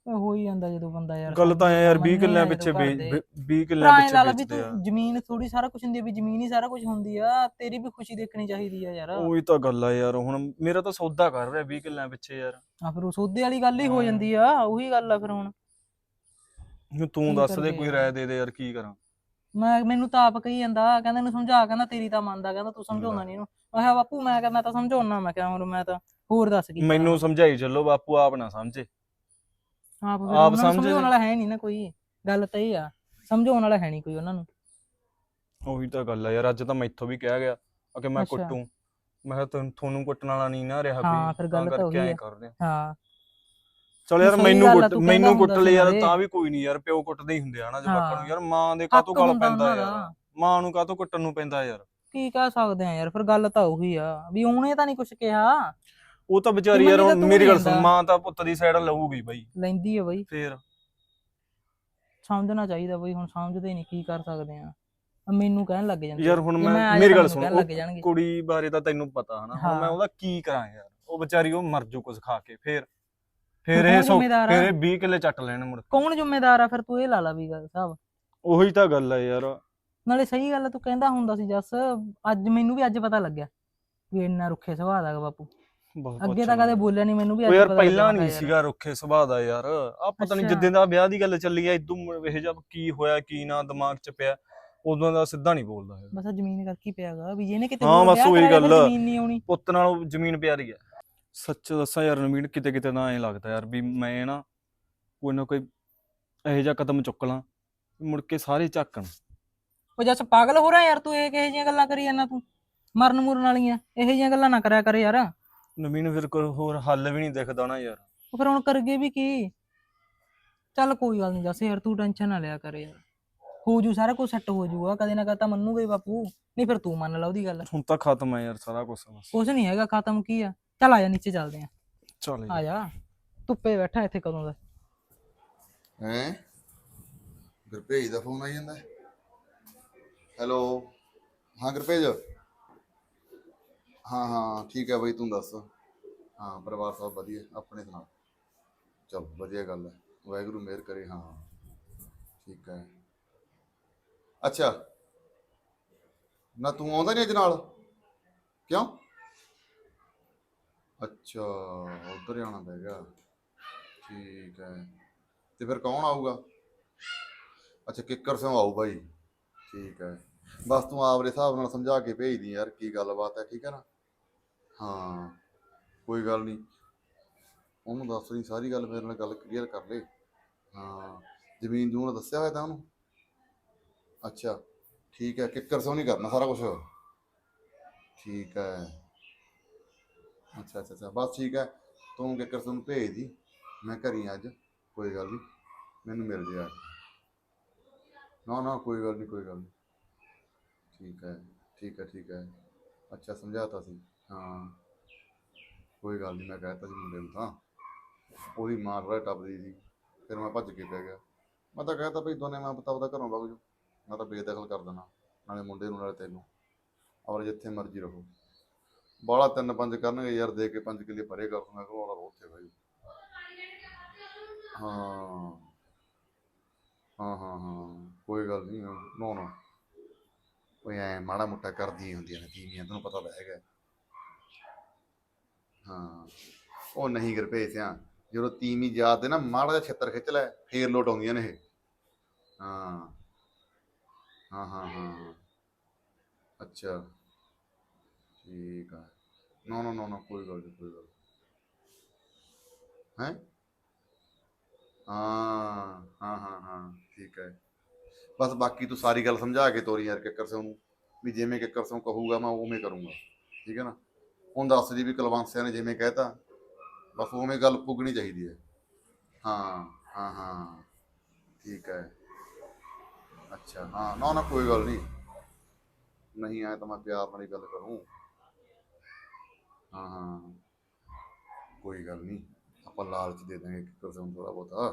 Speaker 2: ਉਹ ਹੋ ਹੀ ਜਾਂਦਾ ਜਦੋਂ ਬੰਦਾ ਯਾਰ
Speaker 3: ਗੱਲ ਤਾਂ ਐ ਯਾਰ
Speaker 2: ਮੰਨੇ
Speaker 3: ਵੀਹ ਕਿੱਲਿਆਂ
Speaker 2: ਆ ਜਦੋਂ
Speaker 3: ਪਿੱਛੇ
Speaker 2: ਘਰ ਦੇ।
Speaker 3: ਵੇਚ ਵੀਹ ਕਿੱਲਿਆਂ
Speaker 2: ਭਰਾ ਐਂ
Speaker 3: ਪਿੱਛੇ
Speaker 2: ਲਾ ਲਾ ਵੀ
Speaker 3: ਵੇਚਦੇ ਆ।
Speaker 2: ਤੂੰ ਜ਼ਮੀਨ ਥੋੜੀ ਸਾਰਾ ਕੁਝ ਹੁੰਦੀ ਆ ਵੀ ਜ਼ਮੀਨ ਹੀ ਸਾਰਾ ਕੁਝ ਹੁੰਦੀ ਆ, ਤੇਰੀ ਵੀ ਖੁਸ਼ੀ ਦੇਖਣੀ ਚਾਹੀਦੀ ਆ ਯਾਰ।
Speaker 3: ਉਹੀ ਤਾਂ ਗੱਲ ਆ ਯਾਰ, ਹੁਣ ਮੇਰਾ ਤਾਂ ਸੌਦਾ ਕਰ ਰਿਹਾ ਵੀਹ ਕਿੱਲਿਆਂ ਪਿੱਛੇ ਯਾਰ।
Speaker 2: ਆ ਫਿਰ ਉਹ ਸੌਦੇ ਵਾਲੀ ਗੱਲ ਹੀ ਹੋ
Speaker 3: ਹਾਂ।
Speaker 2: ਜਾਂਦੀ ਆ, ਉਹੀ ਗੱਲ ਆ ਫਿਰ ਹੁਣ
Speaker 3: ਹੁਣ ਤੂੰ
Speaker 2: ਕੀ
Speaker 3: ਦੱਸ ਦੇ
Speaker 2: ਕਰੀਏ
Speaker 3: ਕੋਈ
Speaker 2: ਯਾਰ।
Speaker 3: ਰਾਏ ਦੇ ਦੇ ਯਾਰ, ਕੀ ਕਰਾਂ।
Speaker 2: ਮੈਂ ਮੈਨੂੰ ਤਾਂ ਆਪ ਕਹੀ ਜਾਂਦਾ, ਕਹਿੰਦਾ ਇਹਨੂੰ ਸਮਝਾ, ਕਹਿੰਦਾ ਤੇਰੀ ਤਾਂ ਮੰਨਦਾ, ਕਹਿੰਦਾ ਤੂੰ ਸਮਝਾਉਂਦਾ ਨਹੀਂ ਇਹਨੂੰ। ਮੈਂ ਕਿਹਾ ਬਾਪੂ ਮੈਂ ਕਿਹਾ ਮੈਂ ਤਾਂ ਸਮਝਾਉਣਾ, ਮੈਂ ਕਿਹਾ ਹੁਣ ਮੈਂ ਤਾਂ ਹੋਰ ਦੱਸ ਕੀ ਕਰਾਂ
Speaker 3: ਮੈਨੂੰ
Speaker 2: ਮੈਂ।
Speaker 3: ਸਮਝਾਈ ਚੱਲੋ, ਬਾਪੂ ਆਪ ਨਾ ਸਮਝੇ।
Speaker 2: ਆਪ ਫਿਰ
Speaker 3: ਆਪ
Speaker 2: ਉਹਨਾਂ ਨੂੰ
Speaker 3: ਸਮਝ
Speaker 2: ਸਮਝਾਉਣ
Speaker 3: ਲੈ।
Speaker 2: ਵਾਲਾ ਹੈ ਨਹੀਂ ਨਾ ਕੋਈ, ਗੱਲ ਤਾਂ ਇਹ ਆ, ਸਮਝਾਉਣ ਵਾਲਾ ਹੈ ਨਹੀਂ ਕੋਈ ਉਹਨਾਂ ਨੂੰ।
Speaker 3: ਉਹੀ ਤਾਂ ਗੱਲ ਆ ਯਾਰ, ਅੱਜ ਤਾਂ ਮੈਥੋਂ ਵੀ ਕਿਹਾ ਗਿਆ ਕਿ ਮੈਂ
Speaker 2: ਅੱਛਾ।
Speaker 3: ਕੁੱਟੂ। ਮੈਂ ਕਿਹਾ ਤੁਹਾਨੂੰ ਤੁਹਾਨੂੰ ਕੁੱਟਣ ਵਾਲਾ ਨਹੀਂ ਨਾ ਰਿਹਾ
Speaker 2: ਹਾਂ
Speaker 3: ਕੋਈ,
Speaker 2: ਫਿਰ
Speaker 3: ਤਾਂ
Speaker 2: ਗੱਲ ਤਾਂ
Speaker 3: ਕਰਕੇ
Speaker 2: ਉਹੀ
Speaker 3: ਐਂ
Speaker 2: ਆ।
Speaker 3: ਕਰਦੇ ਆ।
Speaker 2: ਹਾਂ
Speaker 3: ਚਲ
Speaker 2: ਨਹੀਂ,
Speaker 3: ਯਾਰ
Speaker 2: ਸਹੀ
Speaker 3: ਮੈਨੂੰ
Speaker 2: ਗੱਲ ਆ,
Speaker 3: ਕੁੱਟ
Speaker 2: ਤੂੰ ਕਹਿੰਦਾ
Speaker 3: ਮੈਨੂੰ ਕੁੱਟ
Speaker 2: ਹੁੰਦਾ
Speaker 3: ਲਈ
Speaker 2: ਸੀ
Speaker 3: ਯਾਰ
Speaker 2: ਨਾਲੇ।
Speaker 3: ਤਾਂ ਵੀ ਕੋਈ ਨਹੀਂ ਯਾਰ, ਪਿਓ ਕੁੱਟਦੇ ਹੀ ਹੁੰਦੇ ਆ ਨਾ ਜਵਾਕਾਂ ਨੂੰ
Speaker 2: ਹਾਂ।
Speaker 3: ਯਾਰ। ਮਾਂ ਦੇ ਕਾਹਤੋਂ
Speaker 2: ਹੱਕ
Speaker 3: ਗਲ
Speaker 2: ਹੁੰਦਾ
Speaker 3: ਪੈਂਦਾ
Speaker 2: ਉਹਨਾਂ
Speaker 3: ਯਾਰ,
Speaker 2: ਦਾ।
Speaker 3: ਮਾਂ ਨੂੰ ਕਾਹਤੋਂ ਕੁੱਟਣ ਨੂੰ ਪੈਂਦਾ ਯਾਰ।
Speaker 2: ਕੀ ਕਹਿ ਸਕਦੇ ਆ ਯਾਰ, ਫਿਰ ਗੱਲ ਤਾਂ ਉਹੀ ਆ ਵੀ ਉਹਨੇ ਤਾਂ ਨਹੀਂ ਕੁਝ ਕਿਹਾ।
Speaker 3: ਉਹ ਤਾਂ ਵਿਚਾਰੀ
Speaker 2: ਕਿ
Speaker 3: ਯਾਰ,
Speaker 2: ਮੰਨੀ ਤਾਂ ਤੂੰ
Speaker 3: ਮੇਰੀ
Speaker 2: ਨੀ
Speaker 3: ਗੱਲ ਸੁਣ,
Speaker 2: ਜਾਂਦਾ।
Speaker 3: ਮਾਂ ਤਾਂ ਪੁੱਤ ਦੀ ਸਾਈਡ ਲਊਗੀ ਬਾਈ
Speaker 2: ਲੈਂਦੀ ਆ ਬਈ,
Speaker 3: ਫੇਰ।
Speaker 2: ਸਮਝਣਾ ਚਾਹੀਦਾ ਬਈ, ਹੁਣ ਸਮਝਦੇ ਨਹੀਂ, ਕੀ ਕਰ ਸਕਦੇ ਆ। ਮੈਨੂੰ ਕਹਿਣ ਲੱਗ ਜਾਂਦੇ
Speaker 3: ਯਾਰ ਹੁਣ
Speaker 2: ਜੇ
Speaker 3: ਮੈਂ
Speaker 2: ਆ
Speaker 3: ਮੇਰੀ
Speaker 2: ਜਾਣਾ
Speaker 3: ਗੱਲ
Speaker 2: ਮੈਨੂੰ
Speaker 3: ਸੁਣ,
Speaker 2: ਕਹਿਣ
Speaker 3: ਉਹ
Speaker 2: ਲੱਗ ਜਾਣਗੇ।
Speaker 3: ਕੁੜੀ ਬਾਰੇ ਤਾਂ ਤੈਨੂੰ ਪਤਾ ਹਨਾ, ਹੁਣ ਮੈਂ
Speaker 2: ਹਾਂ।
Speaker 3: ਉਹਦਾ ਕੀ ਕਰਾਂ ਯਾਰ। ਉਹ ਵਿਚਾਰੀ ਉਹ ਮਰ ਜੂ ਕੁਝ ਖਾ ਕੇ, ਫੇਰ
Speaker 2: ਫਿਰ
Speaker 3: ਫੇਰ ਇਹ
Speaker 2: ਕੌਣ
Speaker 3: ਸੌ
Speaker 2: ਜ਼ਿੰਮੇਦਾਰ
Speaker 3: ਫੇਰ
Speaker 2: ਆ?
Speaker 3: ਇਹ ਵੀਹ ਕਿੱਲੇ ਚੱਟ ਲੈਣ ਮੁੜ ਕੇ।
Speaker 2: ਕੌਣ ਜ਼ਿੰਮੇਦਾਰ ਆ ਫਿਰ, ਤੂੰ ਇਹ ਲਾ ਲਾ ਵੀ ਗੱਲ ਸਾਹਿਬ।
Speaker 3: ਉਹੀ ਤਾਂ ਗੱਲ ਆ ਯਾਰ।
Speaker 2: ਨਾਲੇ ਸਹੀ ਗੱਲ ਆ, ਤੂੰ ਕਹਿੰਦਾ ਹੁੰਦਾ ਸੀ ਜੱਸ, ਅੱਜ ਮੈਨੂੰ ਵੀ ਅੱਜ ਪਤਾ ਲੱਗਿਆ ਵੀ ਇੰਨਾ ਰੁੱਖੇ ਸੁਭਾਅ ਦਾ ਗਾ ਬਾਪੂ।
Speaker 3: ਬਹੁਤ
Speaker 2: ਅੱਗੇ ਤਾਂ ਕਦੇ ਬੋਲਿਆ ਨਹੀਂ, ਮੈਨੂੰ ਵੀ
Speaker 3: ਉਹ
Speaker 2: ਅੱਜ
Speaker 3: ਯਾਰ
Speaker 2: ਪਤਾ
Speaker 3: ਪਹਿਲਾਂ
Speaker 2: ਲੱਗਿਆ।
Speaker 3: ਨਹੀਂ
Speaker 2: ਮੈਂ ਕਿਹਾ
Speaker 3: ਸੀਗਾ ਰੁੱਖੇ ਸੁਭਾਅ ਦਾ ਯਾਰ। ਆ ਪਤਾ ਨਹੀਂ
Speaker 2: ਅੱਛਾ।
Speaker 3: ਜਿੱਦਾਂ ਦਾ ਵਿਆਹ ਦੀ ਗੱਲ ਚੱਲੀ ਆ, ਇਦੋਂ ਇਹ ਜਬ ਕੀ ਹੋਇਆ ਕੀ ਨਾ ਦਿਮਾਗ 'ਚ ਪਿਆ, ਉਦੋਂ ਦਾ ਸਿੱਧਾ ਨਹੀਂ ਬੋਲਦਾ ਹੈਗਾ।
Speaker 2: ਬਸ ਆਹ ਜ਼ਮੀਨ ਕਰਕੇ ਹੀ ਪਿਆਗਾ ਵੀ ਜਿਹਨੇ ਕਿਤੇ
Speaker 3: ਹਾਂ
Speaker 2: ਹੋਰ
Speaker 3: ਬਸ
Speaker 2: ਵਿਆਹ
Speaker 3: ਉਹੀ
Speaker 2: ਕਰਾਇਆ ਫਿਰ
Speaker 3: ਗੱਲ।
Speaker 2: ਜ਼ਮੀਨ ਨਹੀਂ ਆਉਣੀ।
Speaker 3: ਪੁੱਤ ਨਾਲੋਂ ਜ਼ਮੀਨ ਪਿਆਰੀ ਆ। ਸੱਚ ਦੱਸਾਂ ਯਾਰ ਨਵੀਨ, ਕਿਤੇ ਕਿਤੇ ਤਾਂ ਐਂ ਲੱਗਦਾ ਯਾਰ ਵੀ ਮੈਂ ਨਾ ਕੋਈ ਨਾ ਕੋਈ ਇਹੋ ਜਿਹਾ ਕਦਮ ਚੁੱਕ ਲਾਂ ਮੁੜ ਕੇ ਸਾਰੇ ਝਾਕਣ।
Speaker 2: ਉਹ ਜੱਸ ਪਾਗਲ ਹੋ ਰਿਹਾ ਯਾਰ, ਤੂੰ ਇਹ ਕਿਹੋ ਜਿਹੀਆਂ ਗੱਲਾਂ ਕਰੀ ਜਾਂਦਾ, ਤੂੰ ਮਰਨ ਮੁਰਨ ਵਾਲੀਆਂ ਇਹੋ ਜਿਹੀਆਂ ਗੱਲਾਂ ਨਾ ਕਰਿਆ ਕਰ ਯਾਰ।
Speaker 3: ਨਵੀਨ ਫਿਰ ਕੋਈ ਹੋਰ ਹੱਲ ਵੀ ਨਹੀਂ ਦਿਖਦਾ ਨਾ ਯਾਰ।
Speaker 2: ਉਹ ਫਿਰ ਹੁਣ ਕਰਗੇ ਵੀ ਕੀ। ਚੱਲ ਕੋਈ ਗੱਲ ਨਹੀਂ ਜੱਸ ਯਾਰ, ਤੂੰ ਟੈਨਸ਼ਨ ਨਾ ਲਿਆ ਕਰ ਯਾਰ, ਹੋ ਜੂ ਸਾਰਾ ਕੁਝ ਸੈੱਟ ਹੋ ਜੂਗਾ, ਕਦੇ ਨਾ ਕਦੇ ਤਾਂ ਮੰਨੂਗਾ ਹੀ ਬਾਪੂ। ਨਹੀਂ ਫਿਰ ਤੂੰ ਮੰਨ ਲਾ ਉਹਦੀ ਗੱਲ।
Speaker 3: ਹੁਣ ਤਾਂ ਖਤਮ ਹੈ ਯਾਰ ਸਾਰਾ ਕੁਝ ਬਸ।
Speaker 2: ਕੁਛ ਨਹੀਂ ਹੈਗਾ ਖਤਮ, ਕੀ ਆ। ਚੱਲ ਆ ਜਾ ਨੀਚੇ ਚੱਲਦੇ ਆ,
Speaker 3: ਚੱਲ
Speaker 2: ਆ ਜਾ, ਧੁੱਪੇ ਬੈਠਾ ਇੱਥੇ ਕਦੋਂ ਦਾ।
Speaker 4: ਹੈਂ ਗੁਰਭੇਜ ਦਾ ਫੋਨ ਆਈ ਜਾਂਦਾ। ਹੈਲੋ, ਹਾਂ ਗੁਰਭੇਜ। ਹਾਂ ਹਾਂ ਠੀਕ ਹੈ ਬਈ, ਤੂੰ ਦੱਸ। ਹਾਂ ਪਰਿਵਾਰ ਸਭ ਵਧੀਆ, ਆਪਣੇ ਸੁਣਾ। ਚਲ ਵਧੀਆ ਗੱਲ ਹੈ, ਵਾਹਿਗੁਰੂ ਮਿਹਰ ਕਰੇ। ਹਾਂ ਠੀਕ ਹੈ। ਅੱਛਾ ਨਾ ਤੂੰ ਆਉਂਦਾ ਨਹੀਂ ਅੱਜ ਨਾਲ, ਕਿਉਂ? ਅੱਛਾ ਉੱਧਰ ਹੀ ਆਉਣਾ ਪੈ ਗਿਆ, ਠੀਕ ਹੈ। ਤੇ ਫਿਰ ਕੌਣ ਆਊਗਾ? ਅੱਛਾ ਕਿੱਕਰ ਸਿੰਘ ਆਊ ਬਾਈ, ਠੀਕ ਹੈ। ਬਸ ਤੂੰ ਆਪਦੇ ਹਿਸਾਬ ਨਾਲ ਸਮਝਾ ਕੇ ਭੇਜਦੀ ਯਾਰ ਕੀ ਗੱਲਬਾਤ ਹੈ, ਠੀਕ ਹੈ ਨਾ। ਹਾਂ ਕੋਈ ਗੱਲ ਨਹੀਂ, ਉਹਨੂੰ ਦੱਸ ਦੀ ਸਾਰੀ ਗੱਲ, ਮੇਰੇ ਨਾਲ ਗੱਲ ਕਲੀਅਰ ਕਰ ਲੈ। ਹਾਂ ਜ਼ਮੀਨ ਜੂਨ ਦੱਸਿਆ ਹੋਇਆ ਤਾਂ ਉਹਨੂੰ। ਅੱਛਾ ਠੀਕ ਹੈ, ਕਿੱਕਰ ਸਿੰਘ ਨਹੀਂ ਕਰਨਾ ਸਾਰਾ ਕੁਛ, ਠੀਕ ਹੈ। ਅੱਛਾ ਅੱਛਾ ਅੱਛਾ ਬਸ ਠੀਕ ਹੈ, ਤੂੰ ਕਿੱਕਰ ਸਿੰਘ ਨੂੰ ਭੇਜ ਦੀ, ਮੈਂ ਘਰੀ ਅੱਜ, ਕੋਈ ਗੱਲ ਨਹੀਂ, ਮੈਨੂੰ ਮਿਲ ਜੇ ਆ ਕੇ। ਨਾ ਨਾ ਕੋਈ ਗੱਲ ਨਹੀਂ ਕੋਈ ਗੱਲ ਨਹੀਂ, ਠੀਕ ਹੈ ਠੀਕ ਹੈ ਠੀਕ ਹੈ। ਅੱਛਾ ਸਮਝਾਤਾ ਸੀ, ਹਾਂ ਕੋਈ ਗੱਲ ਨਹੀਂ। ਮੈਂ ਕਹਿ ਦਿੱਤਾ ਸੀ ਮੁੰਡੇ ਨੂੰ, ਤਾਂ ਉਹਦੀ ਮਾਂ ਥੋੜ੍ਹਾ ਟੱਪਦੀ ਸੀ, ਫਿਰ ਮੈਂ ਭੱਜ ਕੇ ਪੈ ਗਿਆ। ਮੈਂ ਤਾਂ ਕਹਿ ਤਾ ਭਈ ਦੋਨੇ ਮੈਂ ਪਤਾ ਉਹਦਾ ਘਰੋਂ ਵਗ ਜਾਓ, ਮੈਂ ਤਾਂ ਬੇਦਖਲ ਕਰ ਦੇਣਾ, ਨਾਲੇ ਮੁੰਡੇ ਨੂੰ ਨਾਲੇ ਤੈਨੂੰ, ਔਰ ਜਿੱਥੇ ਮਰਜ਼ੀ ਰਹੋ। ਬਾਹਲਾ ਤਿੰਨ ਪੰਜ ਕਰਨਗੇ ਯਾਰ, ਦੇ ਕੇ ਪੰਜ ਕਿੱਲੇ ਪਰੇ ਕਰ ਦੂੰਗਾ, ਘਰੋਂ ਵਾਲਾ ਉੱਥੇ ਭਾਈ। ਹਾਂ ਹਾਂ ਹਾਂ ਹਾਂ ਕੋਈ ਗੱਲ ਨਹੀਂ, ਨੋ ਨੋ ਕੋਈ ਐ ਮਾੜਾ ਮੋਟਾ ਕਰਦੀਆਂ ਹੁੰਦੀਆਂ ਨੇ ਤੀਵੀਆਂ, ਤੈਨੂੰ ਪਤਾ ਤਾਂ ਹੈਗਾ। ਹਾਂ ਉਹ ਨਹੀਂ ਗੁਰਭੇਜ ਸਿਆਂ, ਜਦੋਂ ਤੀਵੀਂ ਯਾਦ ਤੇ ਨਾ ਮਾੜਾ ਜਿਹਾ ਛਿੱਤਰ ਖਿੱਚ ਲੈ, ਫੇਰ ਲੋਟ ਆਉਂਦੀਆਂ ਨੇ ਇਹ। ਹਾਂ ਹਾਂ ਹਾਂ ਹਾਂ ਅੱਛਾ ਠੀਕ ਆ। ਨੋ ਨੋ ਨੋ ਨੋ ਕੋਈ ਗੱਲ ਨਹੀਂ ਕੋਈ ਗੱਲ ਹੈ। ਹਾਂ ਹਾਂ ਹਾਂ ਹਾਂ ਠੀਕ ਹੈ। ਬਸ ਬਾਕੀ ਤੂੰ ਸਾਰੀ ਗੱਲ ਸਮਝਾ ਕੇ ਤੋਰੀ ਯਾਰ ਕਿੱਕਰ ਸਿੰਘ ਨੂੰ, ਵੀ ਜਿਵੇਂ ਕਿੱਕਰ ਸਿੰਘ ਕਹੂਗਾ ਮੈਂ ਉਵੇਂ ਕਰੂੰਗਾ, ਠੀਕ ਹੈ ਨਾ। ਹੁਣ ਦੱਸ ਦੀ ਵੀ ਕੁਲਵੰਤ ਨੇ ਜਿਵੇਂ ਕਹਿਤਾ, ਬਸ ਉਵੇਂ ਗੱਲ ਪੁੱਗਣੀ ਚਾਹੀਦੀ ਹੈ। ਹਾਂ ਹਾਂ ਹਾਂ ਠੀਕ ਹੈ। ਅੱਛਾ ਹਾਂ ਨਾ ਨਾ ਕੋਈ ਗੱਲ ਨਹੀਂ, ਨਹੀਂ ਆਇਆ ਤਾਂ ਮੈਂ ਪਿਆਰ ਨਾਲ ਹੀ ਗੱਲ ਕਰੂੰ। ਹਾਂ ਹਾਂ ਕੋਈ ਗੱਲ ਨਹੀਂ, ਆਪਾਂ ਲਾਲਚ ਦੇ ਦਾਂਗੇ ਕਿੱਕਰ ਸਿੰਘ ਨੂੰ ਥੋੜ੍ਹਾ ਬਹੁਤਾ।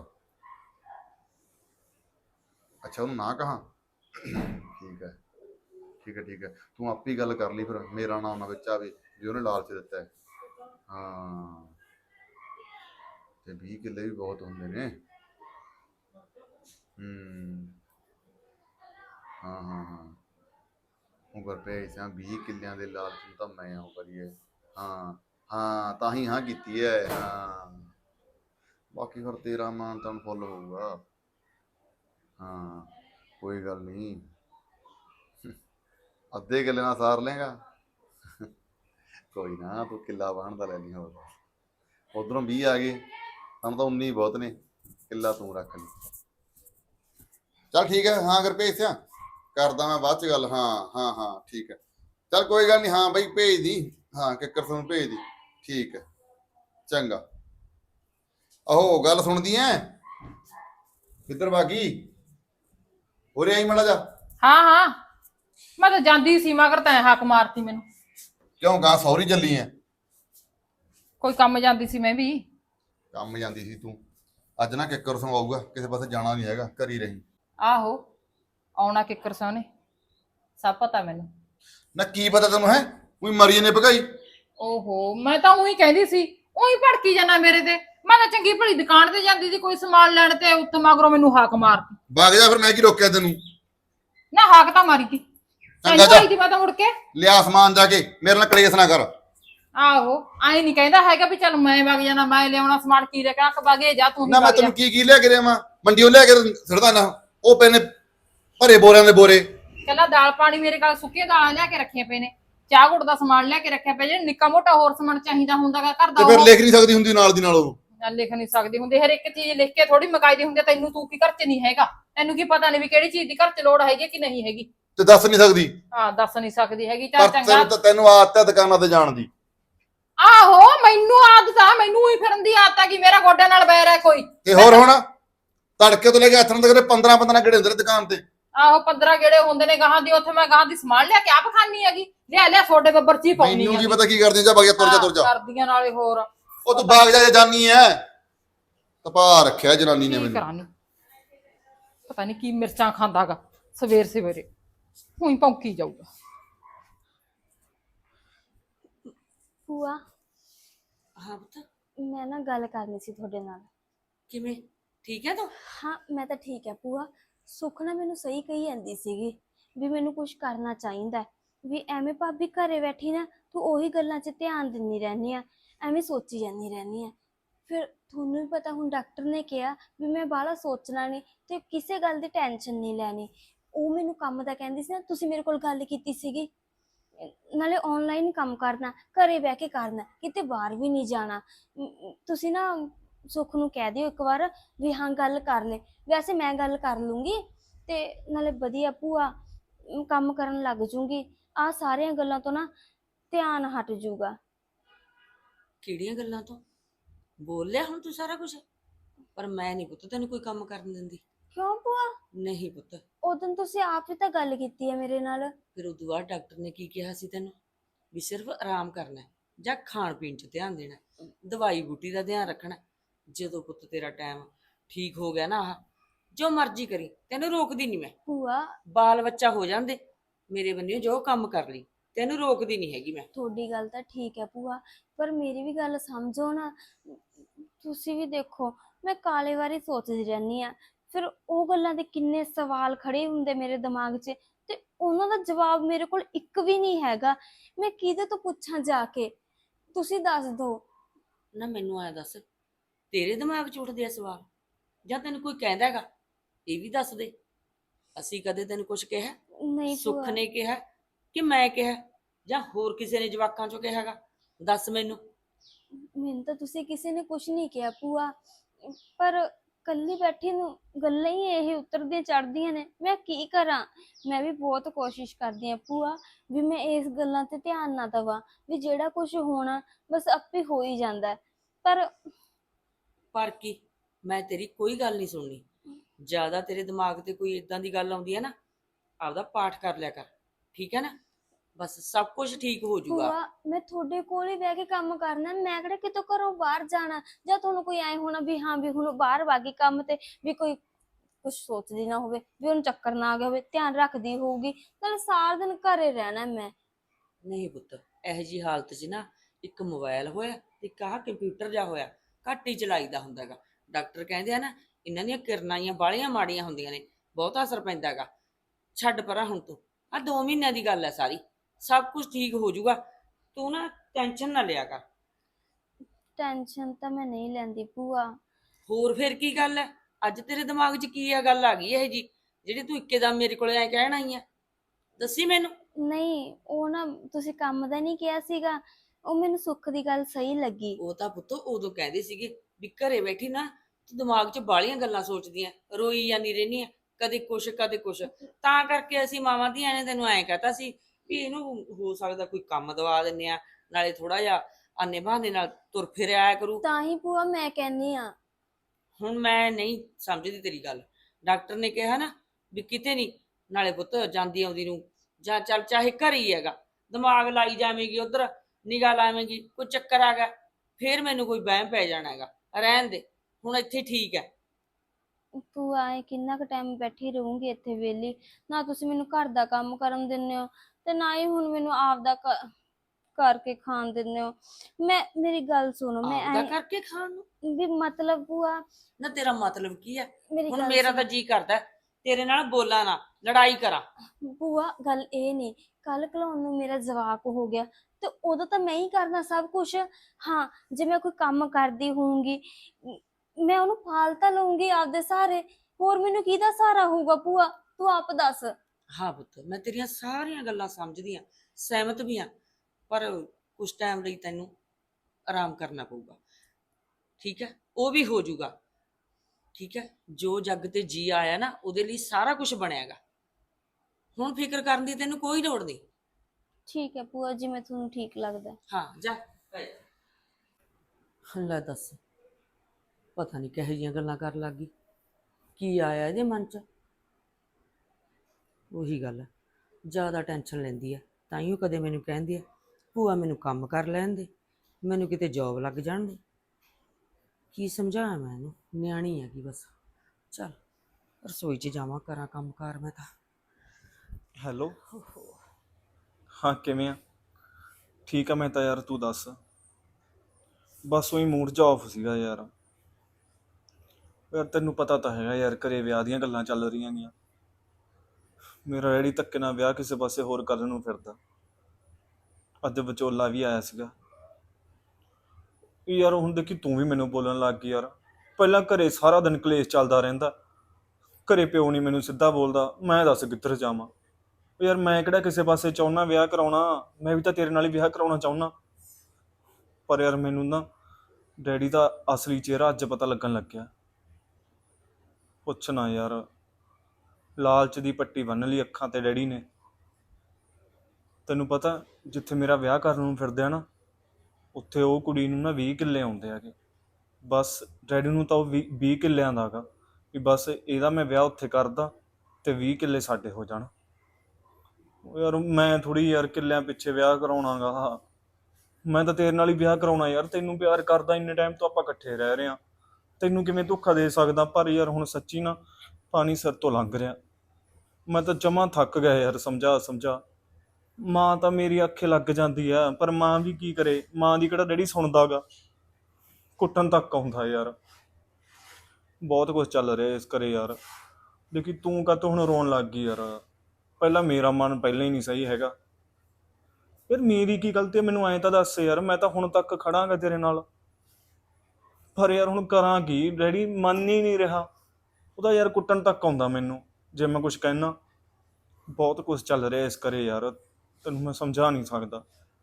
Speaker 4: ਅੱਛਾ ਉਹਨੂੰ ਨਾ ਕਹਾਂ, ਠੀਕ ਹੈ ਠੀਕ ਹੈ ਠੀਕ ਹੈ। ਤੂੰ ਆਪੇ ਹੀ ਗੱਲ ਕਰ ਲਈ ਫਿਰ, ਮੇਰਾ ਨਾਮ ਨਾ ਵਿੱਚ ਆਵੇ ਵੀ ਉਹਨੇ ਲਾਲਚ ਦਿੱਤਾ ਹੈ। ਹਾਂ ਤੇ ਵੀਹ ਕਿੱਲੇ ਵੀ ਬਹੁਤ ਹੁੰਦੇ ਨੇ। ਹੂੰ ਹਾਂ ਹਾਂ ਹਾਂ ਉਹ ਗੁਰਪ੍ਰੀਤ ਸਿੰਘ ਵੀਹ ਕਿੱਲਿਆਂ ਦੇ ਲਾਲਚ ਨੂੰ ਤਾਂ ਮੈਂ ਉਹ ਕਰੀਏ ਹਾਂ ਹਾਂ ਤਾਂ ਹੀ ਹਾਂ ਕੀਤੀ ਹੈ ਹਾਂ ਬਾਕੀ ਫਿਰ ਤੇਰਾ ਮਾਨ ਤਾਂ ਫੁੱਲ ਹੋਊਗਾ ਹਾਂ ਕੋਈ ਗੱਲ ਨਹੀਂ ਅੱਧੇ ਕਿੱਲੇ ਨਾਲ ਸਾਰ ਲੇਗਾ ਕੋਈ ਨਾ ਤੂੰ ਕਿੱਲਾ ਬਾਣ ਦਾ ਲੈ ਲਈ ਹੋਰ ਉਧਰੋਂ ਵੀਹ ਆ ਗਏ ਸਾਨੂੰ ਤਾਂ ਉੱਨੀ ਬਹੁਤ ਨੇ ਕਿੱਲਾ ਤੂੰ ਰੱਖ ਲਈ ਚੱਲ ਠੀਕ ਹੈ ਹਾਂ ਗੁਰਪ੍ਰੀਤ ਸਿੰਘ ਕਰਦਾ ਮੈਂ ਬਾਅਦ ਚ ਗੱਲ ਹਾਂ ਹਾਂ ਹਾਂ ਠੀਕ ਹੈ ਚੱਲ ਕੋਈ ਗੱਲ ਨਹੀਂ ਹਾਂ ਬਈ ਭੇਜ ਦੀ ਹਾਂ ਕਿੱਕਰ ਤੁਹਾਨੂੰ ਭੇਜ ਦੀ ਠੀਕ ਹੈ ਚੰਗਾ ਆਹੋ ਗੱਲ ਸੁਣਦੀ ਐ ਕਿੱਧਰ ਬਾਗੀ ਉਰੇ ਆਈ ਮੜਾ ਜਾ
Speaker 5: ਹਾਂ ਹਾਂ ਮੈਂ ਤਾਂ ਜਾਂਦੀ ਸੀ ਮਗਰ ਤੈਂ ਹੱਕ ਮਾਰਤੀ ਮੈਨੂੰ।
Speaker 4: ਕਿਉਂ ਗਾਂ ਸੌਰੀ ਚੱਲੀ ਐ
Speaker 5: ਕੋਈ ਕੰਮ ਜਾਂਦੀ ਸੀ ਮੈਂ ਵੀ।
Speaker 4: ਕੰਮ ਜਾਂਦੀ ਸੀ ਤੂੰ ਅੱਜ ਨਾ ਕਿੱਕਰ ਸਿੰਘ ਆਊਗਾ ਕਿਸੇ ਪਾਸੇ ਜਾਣਾ ਨਹੀਂ ਹੈਗਾ ਘਰ ਹੀ ਰਹੀ।
Speaker 5: ਆਹੋ ਆਉਣਾ ਕਿੱਕਰ ਸਾਂ ਨੇ ਸਭ ਪਤਾ ਮੈਨੂੰ।
Speaker 4: ਨਾ ਕੀ ਪਤਾ ਤੈਨੂੰ ਹੈ ਕੋਈ ਮਰੀ ਨੇ ਭਗਾਈ
Speaker 5: ਓਹੋ ਮੈਂ ਤਾਂ ਉਹੀ ਕਹਿੰਦੀ ਸੀ ਉਹੀ ਭੜਕੀ ਜਾਣਾ ਮੇਰੇ ਤੇ। ਮੈਂ ਤਾਂ ਚੰਗੀ ਭਲੀ ਦੁਕਾਨ ਤੇ ਜਾਂਦੀ ਸੀ ਕੋਈ ਸਮਾਨ ਲੈਣ ਤੇ ਉੱਤੋਂ ਮਗਰੋਂ ਮੈਨੂੰ ਹਾਕ ਮਾਰਤੀ।
Speaker 4: ਵਗ ਜਾ ਫਿਰ ਮੈਂ ਕੀ ਰੋਕਿਆ ਤੈਨੂੰ
Speaker 5: ਨਾ ਹਾਕ ਤਾਂ ਮਾਰੀ ਤੀ
Speaker 4: ਚੰਗਾ
Speaker 5: ਆਈ ਤੀ ਮੈਂ ਤਾਂ ਮੁੜ ਕੇ
Speaker 4: ਲਿਆ ਸਮਾਨ ਜਾ ਕੇ ਮੇਰੇ ਨਾਲ ਕਲੇਸ਼ ਨਾ ਕਰ।
Speaker 5: ਆਹੋ ਆਈ ਨਹੀਂ ਕਹਿੰਦਾ ਹੈਗਾ ਵੀ ਚੱਲ ਮੈਂ ਵਗ ਜਾਣਾ ਮੈਂ ਲਿਆਉਣਾ ਸਮਾਨ ਕੀ ਰੱਖਾਂ ਕਿ ਵਗੇ ਜਾ ਤੂੰ
Speaker 4: ਨਾ ਮੈਂ ਤੈਨੂੰ ਕੀ ਕੀ ਲਿਆ ਕੇ ਦੇਵਾਂ ਮੰਡੀੋਂ ਲਿਆ ਕੇ ਸੜਦਾ ਨਾ ਉਹ ਪਏ ਨੇ ਭਰੇ ਬੋਰਿਆਂ ਦੇ ਬੋਰੇ।
Speaker 5: ਕਹਿੰਦਾ ਦਾਲ ਪਾਣੀ ਮੇਰੇ ਕੋਲ ਸੁੱਕੀਆਂ ਦਾਲਾਂ ਲਿਆ ਕੇ ਰੱਖੀਆਂ ਪਏ ਨੇ ਚਾਹ ਗੁੜ ਦਾ ਸਮਾਨ ਲਿਆ ਕੇ ਰੱਖਿਆ ਪਿਆ ਜੇ ਨਿੱਕਾ ਮੋਟਾ ਹੋਰ ਸਮਾਨ ਚਾਹੀਦਾ ਹੁੰਦਾਗਾ ਘਰ ਦਾ
Speaker 4: ਤੇ ਫਿਰ
Speaker 5: ਉਹ
Speaker 4: ਲਿਖ ਨਹੀਂ ਸਕਦੀ ਹੁੰਦੀ ਨਾਲ ਦੀ ਨਾਲ ਉਹ
Speaker 5: ਨਾਲ ਲਿਖ ਨਹੀਂ ਸਕਦੀ ਹੁੰਦੀ। ਹਰ ਇੱਕ ਚੀਜ਼ ਲਿਖ ਕੇ ਥੋੜੀ ਮਕਾਈ ਦੀ ਹੁੰਦੀ। ਤੈਨੂੰ ਤੂੰ ਕੀ ਘਰ ਚ ਨਹੀਂ ਹੈਗਾ ਤੈਨੂੰ ਕੀ ਪਤਾ ਨਹੀਂ ਵੀ ਕਿਹੜੀ ਚੀਜ਼ ਦੀ ਘਰ ਚ ਲੋੜ ਹੈਗੀ ਕਿ ਨਹੀਂ ਹੈਗੀ।
Speaker 4: ਤੇ ਦੱਸ ਨਹੀਂ ਸਕਦੀ
Speaker 5: ਹਾਂ ਦੱਸ ਨਹੀਂ ਸਕਦੀ ਹੈਗੀ। ਚੱਲ
Speaker 4: ਪਰ
Speaker 5: ਚੰਗਾ
Speaker 4: ਤੈਨੂੰ ਤਾਂ ਤੈਨੂੰ ਆਦਤ ਹੈ ਦੁਕਾਨਾਂ ਤੇ ਜਾਣ ਦੀ।
Speaker 5: ਆਹੋ ਮੈਨੂੰ ਆਦਤ ਆ ਮੈਨੂੰ ਹੀ ਫਿਰਨ ਦੀ ਆਦਤ ਆ ਕਿ ਮੇਰਾ ਗੋਡੇ ਨਾਲ ਬੈਰ ਹੈ ਕੋਈ।
Speaker 4: ਤੇ ਹੋਰ ਹੁਣ ਤੜਕੇ ਤੋਂ ਲੈ ਕੇ ਹੱਥਾਂ ਤੱਕ ਪੰਦਰਾਂ ਪੰਦਰਾਂ ਗੇੜੇ ਹੁੰਦੇ ਨੇ ਦੁਕਾਨ ਤੇ।
Speaker 5: ਆਹੋ ਪੰਦਰਾਂ ਗੇੜੇ ਹੁੰਦੇ ਨੇ ਗਾਹਾਂ ਦੀ ਉੱਥੇ ਮੈਂ ਗਾਹਾਂ ਦੀ ਸਮਾਨ ਲਿਆ ਕੇ ਆਪ ਖਾਣੀ ਹੈਗੀ ਲਿਆ ਲਿਆ ਛੋਡੇ ਬੱਬਰ ਚ ਹੀ ਪਾਉਣੀ
Speaker 4: ਮੈਨੂੰ ਕੀ ਪਤਾ ਕੀ ਕਰਦੀ ਜਾ ਬਾਗਿਆ ਤੁਰ ਜਾ ਤੁਰ ਜਾ
Speaker 5: ਕਰਦੀਆਂ ਨਾਲੇ ਹੋਰ
Speaker 4: ਉਹ ਤੂੰ ਬਾਗ ਜਾ ਜਾਨੀ ਐ ਤਪਾ ਰੱਖਿਆ ਜਨਾਨੀ ਨੇ
Speaker 5: ਕੀ
Speaker 4: ਮੈਨੂੰ।
Speaker 5: ਕਰਾਂਨੀ ਪਤਾ ਨਹੀਂ ਕੀ ਮਿਰਚਾਂ ਖਾਂਦਾਗਾ ਸਵੇਰ ਸਵੇਰੇ ਉਹੀ ਭੌਂਕੀ ਜਾਊਗਾ।
Speaker 1: ਭੂਆ
Speaker 6: ਹਾਂ ਪੁੱਤ
Speaker 1: ਮੈਂ ਨਾ ਗੱਲ ਕਰਨੀ ਸੀ ਤੁਹਾਡੇ ਨਾਲ।
Speaker 6: ਕਿਵੇਂ ਠੀਕ ਹੈ ਤੂੰ?
Speaker 1: ਹਾਂ ਮੈਂ ਤਾਂ ਠੀਕ ਹੈ ਭੂਆ। ਸੁੱਖ ਨਾ ਮੈਨੂੰ ਸਹੀ ਕਹੀ ਜਾਂਦੀ ਸੀਗੀ ਵੀ ਮੈਨੂੰ ਕੁਝ ਕਰਨਾ ਚਾਹੀਦਾ ਹੈ, ਵੀ ਐਵੇਂ ਭਾਬੀ ਘਰੇ ਬੈਠੀ ਨਾ ਤੂੰ ਉਹੀ ਗੱਲਾਂ 'ਚ ਧਿਆਨ ਦਿੰਦੀ ਰਹਿੰਦੀ ਆ ਐਵੇਂ ਸੋਚੀ ਜਾਂਦੀ ਰਹਿੰਦੀ ਆ। ਫਿਰ ਤੁਹਾਨੂੰ ਵੀ ਪਤਾ ਹੁਣ ਡਾਕਟਰ ਨੇ ਕਿਹਾ ਵੀ ਮੈਂ ਬਾਹਲਾ ਸੋਚਣਾ ਨਹੀਂ ਤੇ ਕਿਸੇ ਗੱਲ ਦੀ ਟੈਨਸ਼ਨ ਨਹੀਂ ਲੈਣੀ। ਉਹ ਮੈਨੂੰ ਕੰਮ ਦਾ ਕਹਿੰਦੀ ਸੀ ਨਾ ਤੁਸੀਂ ਮੇਰੇ ਕੋਲ ਗੱਲ ਕੀਤੀ ਸੀਗੀ ਨਾਲੇ ਆਨਲਾਈਨ ਕੰਮ ਕਰਨਾ ਘਰੇ ਬਹਿ ਕੇ ਕਰਨਾ ਕਿਤੇ ਬਾਹਰ ਵੀ ਨਹੀਂ ਜਾਣਾ। ਤੁਸੀਂ ਨਾ ਸੁੱਖ ਨੂੰ ਕਹਿ ਦਿਓ ਇੱਕ ਵਾਰ ਵੀ ਹਾਂ ਗੱਲ ਕਰ ਲੈ। ਵੈਸੇ ਮੈਂ ਗੱਲ ਕਰ ਲੂੰਗੀ ਤੇ ਨਾਲੇ ਵਧੀਆ ਭੂਆ ਕੰਮ ਕਰਨ ਲੱਗ ਜੂੰਗੀ। ਆਹ ਸਾਰੀਆਂ ਗੱਲਾਂ ਤੋਂ ਨਾ ਧਿਆਨ ਹਟ ਜੂਗਾ।
Speaker 6: ਕਿਹੜੀਆਂ ਗੱਲਾਂ ਤੋਂ ਬੋਲ ਲਿਆ ਹੁਣ ਤੂੰ ਸਾਰਾ ਕੁਝ? ਪਰ ਮੈਂ ਨਹੀਂ ਪੁੱਤ ਤੈਨੂੰ ਕੋਈ ਕੰਮ ਕਰਨ ਦਿੰਦੀ।
Speaker 1: ਕਿਉਂ ਭੂਆ?
Speaker 6: ਨਹੀਂ ਪੁੱਤ
Speaker 1: ਉਦੋਂ ਤੁਸੀਂ ਆਪ ਹੀ ਤਾਂ ਗੱਲ ਕੀਤੀ ਹੈ ਮੇਰੇ ਨਾਲ।
Speaker 6: ਫਿਰ ਉਦੋਂ ਬਾਅਦ ਡਾਕਟਰ ਨੇ ਕੀ ਕਿਹਾ ਸੀ ਤੈਨੂੰ? ਵੀ ਸਿਰਫ ਆਰਾਮ ਕਰਨਾ ਹੈ ਜਾਂ ਖਾਣ ਪੀਣ 'ਚ ਧਿਆਨ ਦੇਣਾ ਹੈ, ਦਵਾਈ ਬੂਟੀ ਦਾ ਧਿਆਨ ਰੱਖਣਾ। ਜਦੋਂ ਪੁੱਤ ਤੇਰਾ ਟਾਈਮ ਠੀਕ ਹੋ ਗਿਆ ਨਾ ਆਹ ਜੋ ਮਰਜ਼ੀ ਕਰੀ ਤੈਨੂੰ ਰੋਕਦੀ ਨਹੀਂ ਮੈਂ।
Speaker 1: ਭੂਆ
Speaker 6: ਬਾਲ ਬੱਚਾ ਹੋ ਜਾਂਦੇ ਮੇਰੇ ਬੰਨਿਓ ਜੋ ਕੰਮ ਕਰ ਲਈ ਤੈਨੂੰ ਰੋਕਦੀ ਨਹੀਂ ਹੈਗੀ ਮੈਂ।
Speaker 1: ਤੁਹਾਡੀ ਗੱਲ ਤਾਂ ਠੀਕ ਹੈ ਭੂਆ ਪਰ ਮੇਰੀ ਵੀ ਗੱਲ ਸਮਝੋ ਨਾ। ਤੁਸੀਂ ਵੀ ਦੇਖੋ ਮੈਂ ਕਾਲੇ ਬਾਰੇ ਸੋਚਦੀ ਰਹਿੰਦੀ ਆ ਫਿਰ ਉਹ ਗੱਲਾਂ ਦੇ ਕਿੰਨੇ ਸਵਾਲ ਖੜੇ ਹੁੰਦੇ ਮੇਰੇ ਦਿਮਾਗ 'ਚ ਤੇ ਉਹਨਾਂ ਦਾ ਜਵਾਬ ਮੇਰੇ ਕੋਲ ਇੱਕ ਵੀ ਨਹੀਂ ਹੈਗਾ। ਮੈਂ ਕਿਹਦੇ ਤੋਂ ਪੁੱਛਾਂ ਜਾ ਕੇ? ਤੁਸੀਂ ਦੱਸ ਦਿਓ
Speaker 6: ਨਾ ਮੈਨੂੰ ਆਇਆ ਦੱਸ ਤੇਰੇ ਦਿਮਾਗ 'ਚ ਉੱਠਦੇ ਆ ਸਵਾਲ ਜਾਂ ਤੈਨੂੰ ਕੋਈ ਕਹਿੰਦਾ ਹੈਗਾ? ਇਹ ਵੀ ਦੱਸ ਦੇ। ਅਸੀਂ ਕਦੇ ਤੈਨੂੰ ਕੁਝ ਕਿਹਾ?
Speaker 1: ਨਹੀਂ
Speaker 6: ਸੁੱਖ
Speaker 1: ਭੂਆ
Speaker 6: ਨੇ ਕਿਹਾ ਕਿ ਮੈਂ ਕਿਹਾ ਜਾਂ ਹੋਰ ਕਿਸੇ ਨੇ ਜਵਾਕਾਂ 'ਚੋਂ ਕਿਹਾ ਹੈਗਾ? ਦੱਸ ਮੈਨੂੰ।
Speaker 1: ਮੈਨੂੰ ਤਾਂ ਤੁਸੀਂ ਕਿਸੇ ਨੇ ਕੁਝ ਨਹੀਂ ਕਿਹਾ ਭੂਆ ਪਰ ਕੱਲੀ ਬੈਠੀ ਨੂੰ ਗੱਲਾਂ ਹੀ ਇਹ ਉਤਰਦੀਆਂ ਚੜ੍ਹਦੀਆਂ ਨੇ। ਮੈਂ ਕੀ ਕਰਾਂ? ਮੈਂ ਵੀ ਬਹੁਤ ਕੋਸ਼ਿਸ਼ ਕਰਦੀ ਹਾਂ ਭੂਆ ਵੀ ਮੈਂ ਇਸ ਗੱਲਾਂ ਤੇ ਧਿਆਨ ਨਾ ਦੇਵਾਂ ਵੀ ਜਿਹੜਾ ਕੁਝ ਹੋਣਾ ਬਸ ਆਪੇ ਹੋ ਹੀ ਜਾਂਦਾ ਹੈ। ਪਰ
Speaker 6: ਪਰ ਕੀ ਮੈਂ ਤੇਰੀ ਕੋਈ ਗੱਲ ਨਹੀਂ ਸੁਣਨੀ। ਜ਼ਿਆਦਾ ਤੇਰੇ ਦਿਮਾਗ ਤੇ ਕੋਈ ਇਦਾਂ ਦੀ ਗੱਲ ਆਉਂਦੀ ਹੈ ਨਾ ਆਪਦਾ ਪਾਠ ਕਰ ਲਿਆ ਕਰ ਠੀਕ ਹੈ ਨਾ। ਬਸ ਸਭ ਕੁਝ ਠੀਕ ਹੋ ਜਾਊਗਾ।
Speaker 1: ਭੂਆ ਮੈਂ ਤੁਹਾਡੇ ਕੋਲ ਹੀ ਬਹਿ ਕੇ ਕੰਮ ਕਰਨਾ ਮੈਂ ਕਿਹੜਾ ਕਿਤੋਂ ਘਰੋਂ ਬਾਹਰ ਜਾਣਾ ਜਾਂ ਤੁਹਾਨੂੰ ਕੋਈ ਐ ਹੋਣਾ ਵੀ ਹਾਂ ਵੀ ਹੁਣ ਬਾਹਰ ਵਾਗੀ ਕੰਮ ਤੇ ਵੀ ਕੋਈ ਕੁਝ ਸੋਚਦੀ ਨਾ ਹੋਵੇ ਵੀ ਉਹਨੂੰ ਚੱਕਰ ਨਾ ਆ ਗਿਆ ਹੋਵੇ ਧਿਆਨ ਰੱਖਦੀ ਹੋਊਗੀ ਨਾਲੇ ਸਾਰਾ ਦਿਨ ਘਰੇ ਰਹਿਣਾ ਮੈਂ।
Speaker 6: ਨਹੀਂ ਪੁੱਤ ਇਹੋ ਜੀ ਹਾਲਤ 'ਚ ਨਾ ਇੱਕ ਮੋਬਾਈਲ ਹੋਇਆ ਤੇ ਇੱਕ ਆਹ ਕੰਪਿਊਟਰ ਜਾ ਹੋਇਆ ਘੱਟ ਹੀ ਚਲਾਈਦਾ ਹੁੰਦਾ ਹੈਗਾ। ਡਾਕਟਰ ਕਹਿੰਦੇ ਆ ਨਾ ਇਹਨਾਂ ਦੀਆਂ ਕਿਰਨਾਂ ਹੀ ਬਾਹਲੀਆਂ ਮਾੜੀਆਂ ਹੁੰਦੀਆਂ ਨੇ, ਬਹੁਤਾ ਅਸਰ ਪੈਂਦਾ ਹੈਗਾ। ਛੱਡ ਪਰਾਂ ਹੁਣ ਤੂੰ, ਆ ਦੋ ਮਹੀਨਿਆਂ ਦੀ ਗੱਲ ਹੈ ਸਾਰੀ, ਸਭ ਕੁਝ ਠੀਕ ਹੋ ਜਾਊਗਾ, ਤੂੰ ਨਾ ਟੈਨਸ਼ਨ ਨਾ ਲਿਆ ਕਰ।
Speaker 1: ਟੈਨਸ਼ਨ ਤਾਂ ਮੈਂ ਨਹੀਂ ਲੈਂਦੀ ਭੂਆ।
Speaker 6: ਹੋਰ ਫਿਰ ਕੀ ਗੱਲ ਹੈ, ਅੱਜ ਤੇਰੇ ਦਿਮਾਗ 'ਚ ਕੀ ਆ ਗੱਲ ਆ ਗਈ ਇਹ ਜੀ ਜਿਹੜੀ ਤੂੰ ਇੱਕਦਮ ਮੇਰੇ ਕੋਲੇ ਐ ਕਹਿਣ ਆਈ ਆ? ਦੱਸੀ ਮੈਨੂੰ।
Speaker 1: ਨਹੀਂ, ਉਹ ਨਾ ਤੁਸੀਂ ਕੰਮ ਦਾ ਨਹੀਂ ਕਿਹਾ ਸੀਗਾ, ਉਹ ਮੈਨੂੰ ਸੁੱਖ ਦੀ ਗੱਲ ਸਹੀ ਲੱਗੀ।
Speaker 6: ਉਹ ਤਾਂ ਪੁੱਤ ਉਦੋਂ ਕਹਿੰਦੇ ਸੀਗੇ ਵੀ ਘਰੇ ਬੈਠੀ ਨਾ ਤੂੰ ਦਿਮਾਗ 'ਚ ਬਾਹਲੀਆਂ ਗੱਲਾਂ ਸੋਚਦੀਆਂ, ਰੋਈ ਜਾਂਦੀ ਰਹਿੰਦੀ ਆ, ਕਦੇ ਕੁਛ ਕਦੇ ਕੁਛ, ਤਾਂ ਕਰਕੇ ਅਸੀਂ ਮਾਵਾਂ ਧੀਆਂ ਨੇ ਤੈਨੂੰ ਐਂ ਕਹਤਾ ਸੀ ਵੀ ਇਹਨੂੰ ਹੋ ਸਕਦਾ ਕੋਈ ਕੰਮ ਦਵਾ ਦਿੰਨੇ ਆ, ਨਾਲੇ ਥੋੜਾ ਜਿਹਾ ਆਨੇ ਬਹਾਨੇ ਨਾਲ ਤੁਰ ਫਿਰ ਆਇਆ ਕਰੂ।
Speaker 1: ਤਾਂ ਹੀ ਭੂਆ ਮੈਂ ਕਹਿੰਨੀ ਆ।
Speaker 6: ਹੁਣ ਮੈਂ ਨਹੀਂ ਸਮਝਦੀ ਤੇਰੀ ਗੱਲ, ਡਾਕਟਰ ਨੇ ਕਿਹਾ ਨਾ ਵੀ ਕਿਤੇ ਨਹੀਂ, ਨਾਲੇ ਪੁੱਤ ਜਾਂਦੀ ਆਉਂਦੀ ਨੂੰ ਜਾਂ ਚੱਲ ਚਾਹੇ ਘਰ ਹੀ ਹੈਗਾ, ਦਿਮਾਗ ਲਾਈ ਜਾਵੇਂਗੀ ਉਧਰ, ਨਿਗਾਹ ਲਾਵੇਂਗੀ, ਕੋਈ ਚੱਕਰ ਆ ਗਿਆ ਫੇਰ ਮੈਨੂੰ ਕੋਈ ਵਹਿਮ ਪੈ ਜਾਣਾ ਹੈਗਾ। ਰਹਿਣ ਦੇ, ਹੁਣ ਇੱਥੇ ਠੀਕ ਹੈ।
Speaker 1: ਭੂਆ ਐ ਕਿੰਨਾ ਕੁ ਟਾਈਮ ਬੈਠੀ ਰਹੂੰਗੀ ਇੱਥੇ ਵਿਹਲੀ, ਨਾ ਤੁਸੀਂ ਮੈਨੂੰ ਘਰ ਦਾ ਕੰਮ ਕਰਨ ਦਿੰਦੇ ਹੋ ਤੇ ਨਾ ਹੀ ਹੁਣ ਮੈਨੂੰ ਆਪਦਾ ਕ- ਕਰਕੇ ਖਾਣ ਦਿੰਦੇ ਹੋ। ਮੈਂ ਮੇਰੀ ਗੱਲ ਸੁਣੋ, ਮੈਂ
Speaker 6: ਆਪਦਾ
Speaker 1: ਐਂ
Speaker 6: ਕਰਕੇ ਖਾਣ ਨੂੰ
Speaker 1: ਵੀ ਮਤਲਬ ਭੂਆ
Speaker 6: ਨਾ, ਤੇਰਾ ਮਤਲਬ ਕੀ ਹੈ?
Speaker 1: ਮੇਰੀ
Speaker 6: ਹੁਣ
Speaker 1: ਗੱਲ
Speaker 6: ਮੇਰਾ
Speaker 1: ਸੁਣੋ।
Speaker 6: ਤਾਂ ਜੀ ਕਰਦਾ ਤੇਰੇ ਨਾਲ ਬੋਲਾਂ ਨਾ, ਲੜਾਈ ਕਰਾਂ।
Speaker 1: ਭੂਆ ਗੱਲ ਇਹ ਨਹੀਂ, ਕੱਲ ਕਲਾਉਣ ਨੂੰ ਮੇਰਾ ਜਵਾਕ ਹੋ ਗਿਆ ਤੇ ਉਦੋਂ ਤਾਂ ਮੈਂ ਹੀ ਕਰਨਾ ਸਭ ਕੁਝ। ਹਾਂ, ਜੇ ਮੈਂ ਕੋਈ ਕੰਮ ਕਰਦੀ ਹੋਊਂਗੀ ਮੈਂ ਉਹਨੂੰ ਪਾਲ ਤਾਂ ਲਊਂਗੀ ਆਪਦੇ ਸਹਾਰੇ, ਹੋਰ ਮੈਨੂੰ ਕਿਹਦਾ ਸਹਾਰਾ ਹੋਊਗਾ? ਭੂਆ ਤੂੰ ਆਪ ਦੱਸ।
Speaker 6: ਹਾਂ ਪੁੱਤ, ਮੈਂ ਤੇਰੀਆਂ ਸਾਰੀਆਂ ਗੱਲਾਂ ਸਮਝਦੀ ਹਾਂ, ਸਹਿਮਤ ਵੀ ਹਾਂ, ਪਰ ਕੁਝ ਟਾਈਮ ਲਈ ਤੈਨੂੰ ਆਰਾਮ ਕਰਨਾ ਪਊਗਾ, ਠੀਕ ਹੈ? ਉਹ ਵੀ ਹੋ ਜਾਊਗਾ, ਠੀਕ ਹੈ? ਜੋ ਜੱਗ ਤੇ ਜੀ ਆਇਆ ਨਾ ਉਹਦੇ ਲਈ ਸਾਰਾ ਕੁਝ ਬਣਿਆਗਾ, ਹੁਣ ਫਿਕਰ ਕਰਨ ਦੀ ਤੈਨੂੰ ਕੋਈ ਲੋੜ ਨਹੀਂ।
Speaker 1: ਠੀਕ ਹੈ ਭੂਆ, ਜਿਵੇਂ ਤੁਹਾਨੂੰ ਠੀਕ ਲੱਗਦਾ।
Speaker 6: ਹਾਂ ਜਾ ਪੈ ਜਾ। ਲੈ ਦੱਸ, ਪਤਾ ਨਹੀਂ ਕਿਹੋ ਜਿਹੀਆਂ ਗੱਲਾਂ ਕਰਨ ਲੱਗ ਗਈ, ਕੀ ਆਇਆ ਇਹਦੇ ਮਨ 'ਚ? ਉਹੀ ਗੱਲ ਹੈ, ਜ਼ਿਆਦਾ ਟੈਨਸ਼ਨ ਲੈਂਦੀ ਹੈ, ਤਾਂ ਹੀ ਉਹ ਕਦੇ ਮੈਨੂੰ ਕਹਿੰਦੀ ਹੈ ਭੂਆ ਮੈਨੂੰ ਕੰਮ ਕਰ ਲੈਣ ਦੇ, ਮੈਨੂੰ ਕਿਤੇ ਜੌਬ ਲੱਗ ਜਾਣ ਦੇ। ਕੀ ਸਮਝਾਵਾਂ ਮੈਂ ਇਹਨੂੰ, ਨਿਆਣੀ ਹੈਗੀ ਬਸ। ਚੱਲ ਰਸੋਈ 'ਚ ਜਾਵਾਂ, ਕਰਾਂ ਕੰਮ ਕਾਰ ਮੈਂ ਤਾਂ।
Speaker 3: ਹੈਲੋ, ਹਾਂ ਕਿਵੇਂ ਆ? ਠੀਕ ਆ ਮੈਂ ਤਾਂ ਯਾਰ, ਤੂੰ ਦੱਸ। ਬਸ ਉਹੀ ਮੂਡ ਜਿਹਾ ਆਫ ਸੀਗਾ ਯਾਰ। ਯਾਰ ਤੈਨੂੰ ਪਤਾ ਤਾਂ ਹੈਗਾ ਯਾਰ, ਘਰੇ ਵਿਆਹ ਦੀਆਂ ਗੱਲਾਂ ਚੱਲ ਰਹੀਆਂ ਗੀਆਂ। ਮੇਰਾ ਡੈਡੀ ਧੱਕੇ ਨਾਲ ਵਿਆਹ ਕਿਸੇ ਪਾਸੇ ਹੋਰ ਕਰਨ ਨੂੰ ਫਿਰਦਾ। ਅੱਜ ਵਿਚੋਲਾ ਵੀ ਆਇਆ ਸੀਗਾ ਯਾਰ। ਹੁਣ ਦੇਖੀ ਤੂੰ ਵੀ ਮੈਨੂੰ ਬੋਲਣ ਲੱਗ ਗਈ ਯਾਰ। ਪਹਿਲਾਂ ਘਰੇ ਸਾਰਾ ਦਿਨ ਕਲੇਸ਼ ਚੱਲਦਾ ਰਹਿੰਦਾ, ਘਰੇ ਪਿਓ ਨਹੀਂ ਮੈਨੂੰ ਸਿੱਧਾ ਬੋਲਦਾ, ਮੈਂ ਦੱਸ ਕਿੱਧਰ ਜਾਵਾਂ ਯਾਰ? ਮੈਂ ਕਿਹੜਾ ਕਿਸੇ ਪਾਸੇ ਚਾਹੁੰਦਾ ਵਿਆਹ ਕਰਾਉਣਾ, ਮੈਂ ਵੀ ਤਾਂ ਤੇਰੇ ਨਾਲ ਹੀ ਵਿਆਹ ਕਰਾਉਣਾ ਚਾਹੁੰਦਾ। ਪਰ ਯਾਰ ਮੈਨੂੰ ਨਾ ਡੈਡੀ ਦਾ ਅਸਲੀ ਚਿਹਰਾ ਅੱਜ ਪਤਾ ਲੱਗਣ ਲੱਗਿਆ। ਪੁੱਛ ਨਾ ਯਾਰ, ਲਾਲਚ ਦੀ ਪੱਟੀ ਬੰਨ੍ਹ ਲਈ ਅੱਖਾਂ ਤੇ ਡੈਡੀ ਨੇ। ਤੈਨੂੰ ਪਤਾ ਜਿੱਥੇ ਮੇਰਾ ਵਿਆਹ ਕਰਨ ਨੂੰ ਫਿਰਦੇ ਆ ਨਾ, ਉੱਥੇ ਉਹ ਕੁੜੀ ਨੂੰ ਨਾ ਵੀਹ ਕਿੱਲੇ ਆਉਂਦੇ ਹੈਗੇ। ਬਸ ਡੈਡੀ ਨੂੰ ਤਾਂ ਉਹ ਵੀਹ ਵੀਹ ਕਿੱਲਿਆਂ ਦਾ ਹੈਗਾ ਵੀ ਬਸ ਇਹਦਾ ਮੈਂ ਵਿਆਹ ਉੱਥੇ ਕਰਦਾ ਤੇ ਵੀਹ ਕਿੱਲੇ ਸਾਡੇ ਹੋ ਜਾਣ। ਯਾਰ ਮੈਂ ਥੋੜੀ ਯਾਰ ਕਿੱਲਿਆਂ ਪਿੱਛੇ ਵਿਆਹ ਕਰਾਉਣਾਗਾ, ਮੈਂ ਤਾਂ ਤੇਰੇ ਨਾਲ ਹੀ ਵਿਆਹ ਕਰਾਉਣਾ ਯਾਰ। ਤੈਨੂੰ ਪਿਆਰ ਕਰਦਾ, ਇੰਨੇ ਟਾਈਮ ਤੋਂ ਆਪਾਂ ਇਕੱਠੇ ਰਹਿ ਰਹੇ ਹਾਂ, ਤੈਨੂੰ ਕਿਵੇਂ ਧੋਖਾ ਦੇ ਸਕਦਾ? ਪਰ ਯਾਰ ਹੁਣ ਸੱਚੀ ਨਾ ਪਾਣੀ ਸਿਰ ਤੋਂ ਲੰਘ ਰਿਹਾ, ਮੈਂ ਤਾਂ ਜਮਾਂ ਥੱਕ ਗਿਆ ਯਾਰ। ਸਮਝਾ ਸਮਝਾ ਮਾਂ ਤਾਂ ਮੇਰੀ ਅੱਖੇ ਲੱਗ ਜਾਂਦੀ ਆ, ਪਰ ਮਾਂ ਵੀ ਕੀ ਕਰੇ? ਮਾਂ ਦੀ ਕਿਹੜਾ ਡੈਡੀ ਸੁਣਦਾ ਗਾ, ਕੁੱਟਣ ਤੱਕ ਆਉਂਦਾ ਯਾਰ। ਬਹੁਤ ਕੁਝ ਚੱਲ ਰਿਹਾ ਇਸ ਘਰੇ ਯਾਰ। ਦੇਖੀ ਤੂੰ ਕਾਹਤੋਂ ਹੁਣ ਰੋਣ ਲੱਗ ਗਈ ਯਾਰ? ਪਹਿਲਾਂ ਮੇਰਾ ਮਨ ਪਹਿਲਾਂ ਹੀ ਨਹੀਂ ਸਹੀ ਹੈਗਾ ਯਾਰ। ਮੇਰੀ ਕੀ ਗਲਤੀ ਹੈ ਮੈਨੂੰ ਐਂ ਤਾਂ ਦੱਸ ਯਾਰ। ਮੈਂ ਤਾਂ ਹੁਣ ਤੱਕ ਖੜਾਂਗਾ ਤੇਰੇ ਨਾਲ, ਪਰ ਯਾਰ ਹੁਣ ਕਰਾਂ ਕੀ? ਡੈਡੀ ਮੰਨ ਹੀ ਨਹੀਂ ਰਿਹਾ, ਉਹਦਾ ਯਾਰ ਕੁੱਟਣ ਤੱਕ ਆਉਂਦਾ ਮੈਨੂੰ ਜੇ ਮੈਂ ਕੁਝ ਕਹਿਣਾ। ਬਹੁਤ ਕੁਝ ਚੱਲ ਰਿਹਾ ਇਸ ਘਰੇ ਯਾਰ, ਤੈਨੂੰ ਮੈਂ ਸਮਝਾ ਨਹੀਂ ਸਕਦਾ।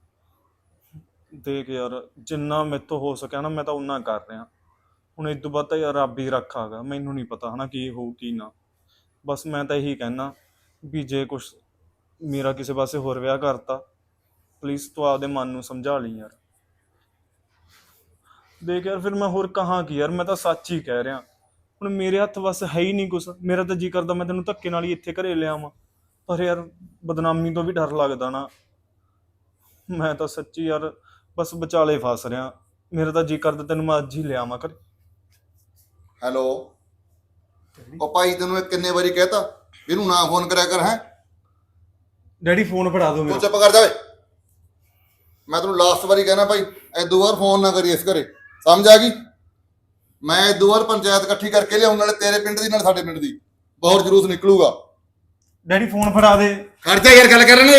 Speaker 3: ਦੇਖ ਯਾਰ, ਜਿੰਨਾ ਮੇਰੇ ਤੋਂ ਹੋ ਸਕਿਆ ਨਾ ਮੈਂ ਤਾਂ ਉਨਾ ਕਰ ਰਿਹਾ। ਹੁਣ ਇਸ ਤੋਂ ਬਾਅਦ ਤਾਂ ਯਾਰ ਰੱਬ ਹੀ ਰੱਖਾਗਾ, ਮੈਨੂੰ ਨਹੀਂ ਪਤਾ ਹਨਾ ਕੀ ਹੋਊ ਕੀ ਨਾ। ਬਸ ਮੈਂ ਤਾਂ ਇਹੀ ਕਹਿਣਾ ਵੀ ਜੇ ਕੁਛ ਮੇਰਾ ਕਿਸੇ ਪਾਸੇ ਹੋਰ ਵਿਆਹ ਕਰਤਾ, ਪਲੀਜ਼ ਤੂੰ ਆਪਦੇ ਮਨ ਨੂੰ ਸਮਝਾ ਲਈ ਯਾਰ। ਦੇਖ ਯਾਰ ਫਿਰ ਮੈਂ ਹੋਰ ਕਹਾਂ ਕੀ ਯਾਰ, ਮੈਂ ਤਾਂ ਸੱਚ ਹੀ ਕਹਿ ਰਿਹਾ। ਹੁਣ ਮੇਰੇ ਹੱਥ ਬਸ ਹੈ ਹੀ ਨਹੀਂ ਕੁਛ। ਮੇਰਾ ਤਾਂ ਜੀ ਕਰਦਾ ਮੈਂ ਤੈਨੂੰ ਧੱਕੇ ਨਾਲ ਹੀ ਇੱਥੇ ਘਰੇ ਲਿਆਵਾਂ, ਪਰ ਯਾਰ ਬਦਨਾਮੀ ਤੋਂ ਵੀ ਡਰ ਲੱਗਦਾ ਨਾ। ਮੈਂ ਤਾਂ ਸੱਚੀ ਯਾਰ ਬਸ ਵਿਚਾਲੇ ਫਸ ਰਿਹਾ। ਮੇਰਾ ਤਾਂ ਜੀ ਕਰਦਾ ਤੈਨੂੰ ਮੈਂ ਅੱਜ ਹੀ ਲਿਆਵਾਂ ਘਰੇ।
Speaker 4: ਹੈਲੋ, ਉਹ ਭਾਈ ਤੈਨੂੰ ਇਹ ਕਿੰਨੇ ਵਾਰੀ ਕਹਿਤਾ ਵੀ ਇਹਨੂੰ ਨਾ ਫੋਨ ਕਰਿਆ ਕਰ। ਹੈ
Speaker 3: ਡੈਡੀ ਫੋਨ ਫੜਾ ਦੋ
Speaker 4: ਤੂੰ
Speaker 3: ਮੇਰਾ।
Speaker 4: ਚੁੱਪ ਕਰ ਜਾਵੇ। ਮੈਂ ਤੈਨੂੰ ਲਾਸਟ ਵਾਰੀ ਕਹਿਣਾ ਭਾਈ, ਐਦੋਂ ਵਾਰ ਫੋਨ ਨਾ ਕਰੀ ਇਸ ਘਰੇ, ਸਮਝ ਆ ਗਈ? ਮੈਂ ਇਦੋਂ ਬਾਅਦ ਪੰਚਾਇਤ ਇਕੱਠੀ ਕਰਕੇ ਲਿਆਉਣ, ਨਾਲੇ ਤੇਰੇ ਪਿੰਡ ਦੀ ਨਾਲੇ ਸਾਡੇ ਪਿੰਡ ਦੀ ਬਹੁਤ ਜਲੂਸ ਨਿਕਲੂਗਾ।
Speaker 3: ਡੈਡੀ ਫੋਨ ਫੜਾ ਦੇ।
Speaker 4: ਖਰਚਾ ਯਾਰ ਗੱਲ ਕਰਨਗੇ।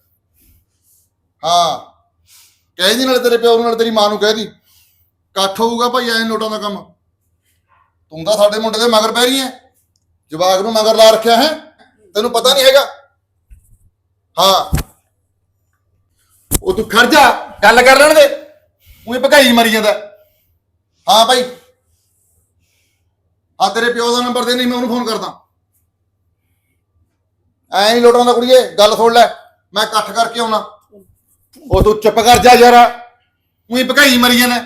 Speaker 4: ਹਾਂ ਕਹਿ ਦੀ, ਨਾਲੇ ਤੇਰੇ ਪਿਓ ਨੂੰ ਨਾਲੇ ਤੇਰੀ ਮਾਂ ਨੂੰ ਕਹਿ ਦੀ, ਇਕੱਠ ਹੋਊਗਾ ਭਾਈ ਐ ਨੋਟਾਂ ਦਾ ਕੰਮ। ਤੂੰ ਤਾਂ ਸਾਡੇ ਮੁੰਡੇ ਦੇ ਮਗਰ ਪੈ ਰਹੀ ਐ, ਜਵਾਕ ਨੂੰ ਮਗਰ ਲਾ ਰੱਖਿਆ ਹੈ, ਤੈਨੂੰ ਪਤਾ ਨਹੀਂ ਹੈਗਾ। ਹਾਂ ਉਹ ਤੂੰ ਖੜ ਜਾ, ਗੱਲ ਕਰ ਲੈਣ ਦੇ, ਉਹੀ ਭਕਾਈ ਮਰੀ ਜਾਂਦਾ। ਹਾਂ ਭਾਈ, ਹਾਂ ਤੇਰੇ ਪਿਓ ਦਾ ਨੰਬਰ ਦੇ, ਨਹੀਂ ਮੈਂ ਉਹਨੂੰ ਫੋਨ ਕਰਦਾ। ਐ ਨਹੀਂ ਲੋਟਾਂ ਦਾ ਕੁੜੀਏ, ਗੱਲ ਸੁਣ ਲੈ, ਮੈਂ ਇਕੱਠ ਕਰਕੇ ਆਉਣਾ। ਉਹ ਤੂੰ ਚੁੱਪ ਕਰ ਜਾ ਯਾਰ, ਉਹੀ ਭਕਾਈ ਮਰੀ ਜਾਂਦਾ।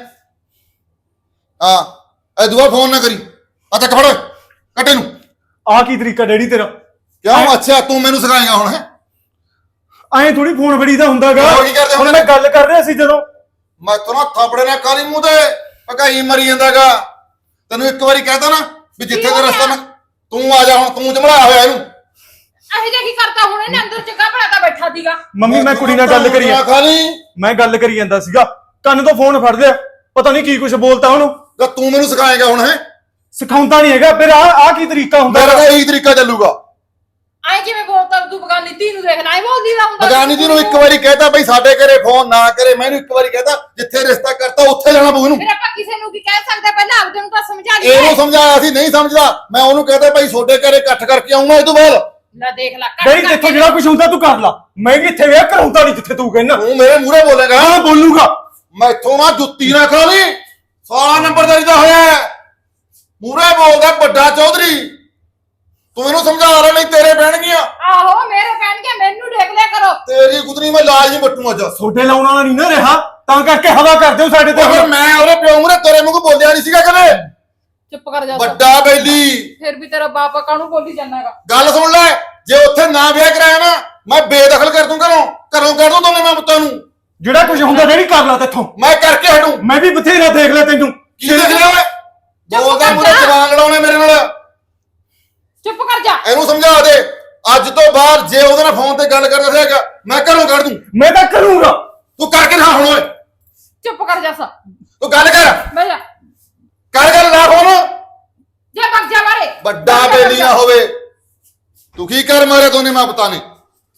Speaker 4: ਹਾਂ ਇਹ ਦੁਆ ਫੋਨ ਨਾ ਕਰੀ। ਆ ਚੱਕ ਫੜ ਕੱਟੇ ਨੂੰ।
Speaker 3: ਆਹ ਕੀ ਤਰੀਕਾ ਡੈਡੀ ਤੇਰਾ?
Speaker 4: ਕਿਉਂ? ਅੱਛਾ ਤੂੰ ਮੈਨੂੰ ਸਿਖਾਏਗਾ ਹੁਣ ਹੈ?
Speaker 3: ਐਂ ਥੋੜੀ ਫੋਨ ਫੜੀਦਾ ਹੁੰਦਾਗਾ।
Speaker 4: ਹੋਰ ਕੀ ਕਰਦੇ
Speaker 3: ਹੁਣ
Speaker 4: ਹੁੰਦੇ
Speaker 3: ਮੈਂ
Speaker 4: ਨੇ?
Speaker 3: ਗੱਲ ਕਰ ਰਿਹਾ ਸੀ ਜਦੋਂ।
Speaker 4: ਮੈਂ ਤੈਨੂੰ ਥਾਪੜੇ ਨਾਲ ਕਾਲੀ ਮੂੰਹ ਤੇ ਭਕਾਈ ਮਰੀ ਜਾਂਦਾਗਾ। ਤੈਨੂੰ ਇੱਕ ਵਾਰੀ ਕਹਿਤਾ ਨਾ ਵੀ ਜਿੱਥੇ ਦਾ ਰਸਤਾ ਮੈਂ, ਤੂੰ ਆ ਜਾ ਹੁਣ, ਤੂੰ ਜਮੜਾ ਹੋਇਆ ਇਹਨੂੰ।
Speaker 5: ਇਹ ਜਿਹਾ ਕੀ ਕਰਤਾ ਹੁਣ ਇਹਨੇ? ਅੰਦਰ ਚੰਗਾ ਭਲਾ ਤਾਂ ਬੈਠਾ ਸੀਗਾ।
Speaker 3: ਮੰਮੀ ਮੈਂ ਕੁੜੀ ਨਾਲ ਗੱਲ ਕਰੀ ਆ।
Speaker 4: ਖਾਲੀ
Speaker 3: ਮੈਂ ਗੱਲ ਕਰੀ ਜਾਂਦਾ ਸੀਗਾ, ਕੰਨ ਤੋਂ ਫੋਨ ਫੜ ਲਿਆ, ਪਤਾ ਨਹੀਂ ਕੀ ਕੁਝ ਬੋਲਤਾ ਉਹਨੂੰ।
Speaker 4: ਤਾਂ ਤੂੰ ਮੈਨੂੰ ਸਿਖਾਏਗਾ ਹੁਣ ਹੈ?
Speaker 3: ਸਿਖਾਉਂਦਾ ਨਹੀਂ ਹੈਗਾ। ਫਿਰ ਆ ਆ ਕੀ ਤਰੀਕਾ ਹੁੰਦਾ?
Speaker 4: ਮੇਰਾ ਤਾਂ ਇਹੀ ਤਰੀਕਾ ਚੱਲੂਗਾ।
Speaker 5: ਐ ਕਿਵੇਂ ਬੋਲਦਾ ਤੂੰ? ਬਗਾਨੀ ਧੀ ਨੂੰ ਦੇਖ ਲੈ, ਐ ਬੋਲਦੀ ਦਾ ਹੁੰਦਾ।
Speaker 4: ਬਗਾਨੀ ਜੀ ਨੂੰ ਇੱਕ ਵਾਰੀ ਕਹਿਤਾ ਬਈ ਸਾਡੇ ਘਰੇ ਫੋਨ ਨਾ ਕਰੇ, ਮੈਨੂੰ ਇੱਕ ਵਾਰੀ ਕਹਿਤਾ ਜਿੱਥੇ ਰਿਸ਼ਤਾ ਕਰਤਾ ਉੱਥੇ ਜਾਣਾ ਪਊ ਇਹਨੂੰ।
Speaker 5: ਫਿਰ ਆਪਾਂ ਕਿਸੇ ਨੂੰ ਕੀ ਕਹਿ ਸਕਦੇ? ਪਹਿਲਾਂ ਆਪਦੇ ਨੂੰ ਤਾਂ ਸਮਝਾ ਲਈ।
Speaker 4: ਇਹਨੂੰ ਸਮਝਾਇਆ ਸੀ, ਨਹੀਂ ਸਮਝਦਾ। ਮੈਂ ਉਹਨੂੰ ਕਹਿਤਾ ਭਾਈ ਤੁਹਾਡੇ ਘਰੇ ਇਕੱਠ ਕਰਕੇ ਆਉਂਗਾ ਇਹ ਤੋਂ ਬਾਅਦ।
Speaker 5: ਲੈ ਦੇਖ ਲੈ, ਕੱਟ
Speaker 3: ਡੈਡੀ
Speaker 5: ਕਰਕੇ
Speaker 3: ਜਿੱਥੋਂ ਜਿਹੜਾ ਕੁਝ ਹੁੰਦਾ ਤੂੰ ਕਰ ਲਾ, ਮੈਂ ਵੀ ਇੱਥੇ ਵਿਆਹ ਕਰਾਉਂਦਾ ਨਹੀਂ ਜਿੱਥੇ ਤੂੰ ਕਹਿੰਦਾ।
Speaker 4: ਤੂੰ ਮੇਰੇ ਮੂਹਰੇ ਬੋਲੇਗਾ?
Speaker 3: ਹਾਂ ਬੋਲੂਗਾ।
Speaker 4: ਮੈਥੋਂ ਨਾ ਜੁੱਤੀ ਨਾ ਖਾ ਲਈ, ਸਾਰਾ ਨੰਬਰਦਾਰੀ ਦਾ ਹੋਇਆ। ਮੂਹਰੇ ਬੋਲਦਾ ਵੱਡਾ ਚੌਧਰੀ, ਤੂੰ ਇਹਨੂੰ ਸਮਝਾ ਲੈ ਨਹੀਂ ਤੇਰੇ ਪੈਣਗੀਆਂ।
Speaker 5: ਆਹੋ ਮੇਰੇ ਕਹਿਣਗੇ, ਮੈਨੂੰ ਦੇਖ ਲਿਆ ਕਰੋ।
Speaker 4: ਤੇਰੀ ਗੁਦਰੀ ਮੈਂ ਲਾਜ ਨਹੀਂ ਬੱਟੂ ਅੱਜ।
Speaker 3: ਛੋਟੇ ਲਾਉਣ ਵਾਲਾ ਨਹੀਂ ਨਾ ਰਿਹਾ, ਤਾਂ ਕਰਕੇ ਹਵਾ ਕਰਦੇ ਹੋ ਸਾਡੇ ਤੇ।
Speaker 4: ਫਿਰ ਮੈਂ ਉਹਦੇ ਪਿਓ ਮੂਹਰੇ ਤੇਰੇ ਵਾਂਗੂ ਬੋਲਿਆ ਨਹੀਂ ਸੀਗਾ ਕਦੇ।
Speaker 5: ਚੁੱਪ ਕਰ ਜਾ।
Speaker 4: ਵੱਡਾ ਬੈਲੀ,
Speaker 5: ਫਿਰ ਵੀ ਤੇਰਾ ਬਾਪ ਕਾਹਨੂੰ ਬੋਲੀ ਜਾਂਦਾਗਾ?
Speaker 4: ਗੱਲ ਸੁਣ ਲੈ, ਜੇ ਉੱਥੇ ਨਾ ਵਿਆਹ ਕਰਾਇਆ ਨਾ ਮੈਂ ਬੇਦਖਲ ਕਰ ਦੂੰ ਘਰੋਂ, ਘਰੋਂ ਕੱਢ ਦੂੰ ਦੋਨੇ ਮੈਂ ਪੁੱਤਾਂ ਨੂੰ।
Speaker 3: ਜਿਹੜਾ ਕੁਝ ਹੁੰਦਾ ਡੈਡੀ ਕਰ ਲਾ ਤੇਥੋਂ।
Speaker 4: ਮੈਂ ਕਰਕੇ ਹਟੂ।
Speaker 3: ਮੈਂ ਵੀ ਬਥੇਰਾ ਦੇਖ ਲਿਆ ਤੈਨੂੰ।
Speaker 4: ਕੀ ਦੇਖ ਲਿਆ ਓਏ? ਬੋਲਦਾ ਮੂਹਰੇ ਜਵਾਨ ਲੜਾਉਣੇ ਮੇਰੇ ਨਾਲ।
Speaker 5: ਚੁੱਪ ਕਰ ਜਾ।
Speaker 4: ਇਹਨੂੰ ਸਮਝਾ ਦੇ, ਅੱਜ ਤੋਂ ਬਾਅਦ ਜੇ ਉਹਦੇ ਨਾਲ ਫੋਨ ਤੇ ਗੱਲ ਕਰਦਾ ਸੀਗਾ ਮੈਂ ਘਰੋਂ ਕੱਢ ਦੂੰ।
Speaker 3: ਮੈਂ ਤਾਂ ਕਰੂੰਗਾ।
Speaker 4: ਤੂੰ ਕਰਕੇ ਨਾ ਹੁਣ ਓਏ,
Speaker 5: ਚੁੱਪ ਕਰ ਜਾ। ਸਾ
Speaker 4: ਤੂੰ ਗੱਲ ਕਰ
Speaker 5: ਬਹਿ ਜਾ।
Speaker 4: ਕਰ ਗੱਲ ਨਾ ਫੋਨ।
Speaker 5: ਜੇ ਭੱਜ ਜਾ ਮਾਰੇ।
Speaker 4: ਵੱਡਾ ਬੇਲੀ ਨਾ ਹੋਵੇ। ਤੂੰ ਕੀ ਕਰ ਮਾਰੇ ਦੋਨੇ ਮਾਂ ਪੁੱਤਾਂ ਨੇ?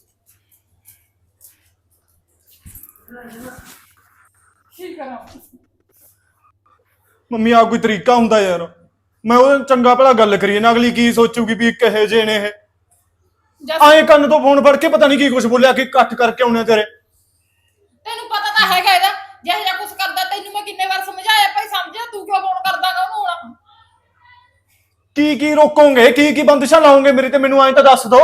Speaker 5: ਕੀ ਕਰਾਂ?
Speaker 3: ਮੰਮੀ ਆ ਕੋਈ ਤਰੀਕਾ ਹੁੰਦਾ ਯਾਰ? ਮੈਂ ਉਹਦੇ ਚੰਗਾ ਭਲਾ ਗੱਲ ਕਰੀਏ ਨਾ, ਅਗਲੀ ਕੀ ਸੋਚੂਗੀ ਵੀ ਕਹੇ ਜੇ ਨੇ ਇਹ।
Speaker 5: ਜੱਸ
Speaker 3: ਆਏ ਕੰਨ ਤੋਂ ਫੋਨ ਫੜ ਕੇ ਪਤਾ ਨਹੀਂ ਕੀ ਕੁਝ ਬੋਲਿਆ ਕਿ ਇਕੱਠ ਕਰਕੇ ਆਉਣੇ ਤੇਰੇ।
Speaker 5: ਤੈਨੂੰ ਪਤਾ ਤਾਂ ਹੈਗਾ ਇਹਦਾ, ਜਿਹੋ ਜਿਹਾ ਕੁਝ ਕਰਦਾ। ਤੈਨੂੰ ਮੈਂ ਕਿੰਨੇ ਵਾਰ ਸਮਝਾਇਆ ਭਾਈ, ਸਮਝਿਆ ਤੂੰ ਕਿਉਂ ਫੋਨ ਕਰਦਾਗਾ ਉਹਨੂੰ ਹੁਣ?
Speaker 3: ਕੀ ਕੀ ਰੋਕੋਗੇ, ਕੀ ਕੀ ਬੰਦਿਸ਼ਾਂ ਲਾਓਗੇ ਮੇਰੇ ਤੇ? ਮੈਨੂੰ ਐਂ ਤਾਂ ਦੱਸ ਦੋ।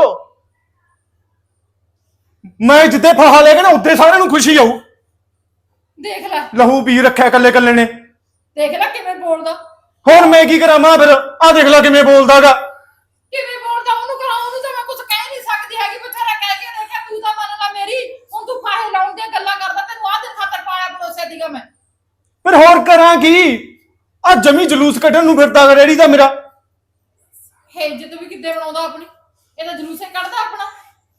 Speaker 3: ਮੈਂ ਜਿੱਦੇ ਫਾਹਾ ਲੈ ਕੇ ਨਾ ਉੱਦੇ ਸਾਰਿਆਂ ਨੂੰ ਖੁਸ਼ੀ ਆਊ।
Speaker 5: ਦੇਖ ਲੈ,
Speaker 3: ਲਹੂ ਪੀ ਰੱਖਿਆ ਕੱਲੇ ਕੱਲੇ ਨੇ।
Speaker 5: ਦੇਖ ਲੈ ਕਿਵੇਂ ਬੋਲਦਾ।
Speaker 3: ਹੁਣ ਮੈਂ ਕੀ ਕਰਾਂ ਮਾਂ? ਫਿਰ ਆ ਦੇਖ ਲੈ ਕਿਵੇਂ ਬੋਲਦਾਗਾ।
Speaker 5: ਕਿਵੇਂ ਬੋਲਦਾ? ਉਹਨੂੰ ਕਰਾਂ, ਉਹਨੂੰ ਤਾਂ ਮੈਂ ਕੁਝ ਕਹਿ ਨਹੀਂ ਸਕਦੀ ਹੈਗੀ। ਬਥੇਰਾ ਕਹਿ ਕੇ ਦੇਖਿਆ, ਤੂੰ ਤਾਂ ਮੰਨ ਲਾ ਮੇਰੀ। ਹੁਣ ਤੂੰ ਫਾਹੇ ਲਾਉਣ ਦੀਆਂ ਗੱਲਾਂ ਕਰਦਾ। ਤੈਨੂੰ ਆਹ ਦਿਨ ਖਾਤਰ ਪਾਇਆ ਭਰੋਸੇ ਦੀਗਾ ਮੈਂ।
Speaker 3: ਫਿਰ ਹੋਰ ਕਰਾਂ ਕੀ? ਆ ਜਮੀ ਜਲੂਸ ਕੱਢਣ ਨੂੰ ਫਿਰਦਾ ਰੇੜੀ ਦਾ ਮੇਰਾ।
Speaker 5: ਹੈ ਇੱਜ਼ਤ ਵੀ ਕਿੱਦੇ ਬਣਾਉਂਦਾ ਆਪਣੀ। ਇਹ ਤਾਂ ਜਲੂਸੇ ਕੱਢਦਾ ਆਪਣਾ।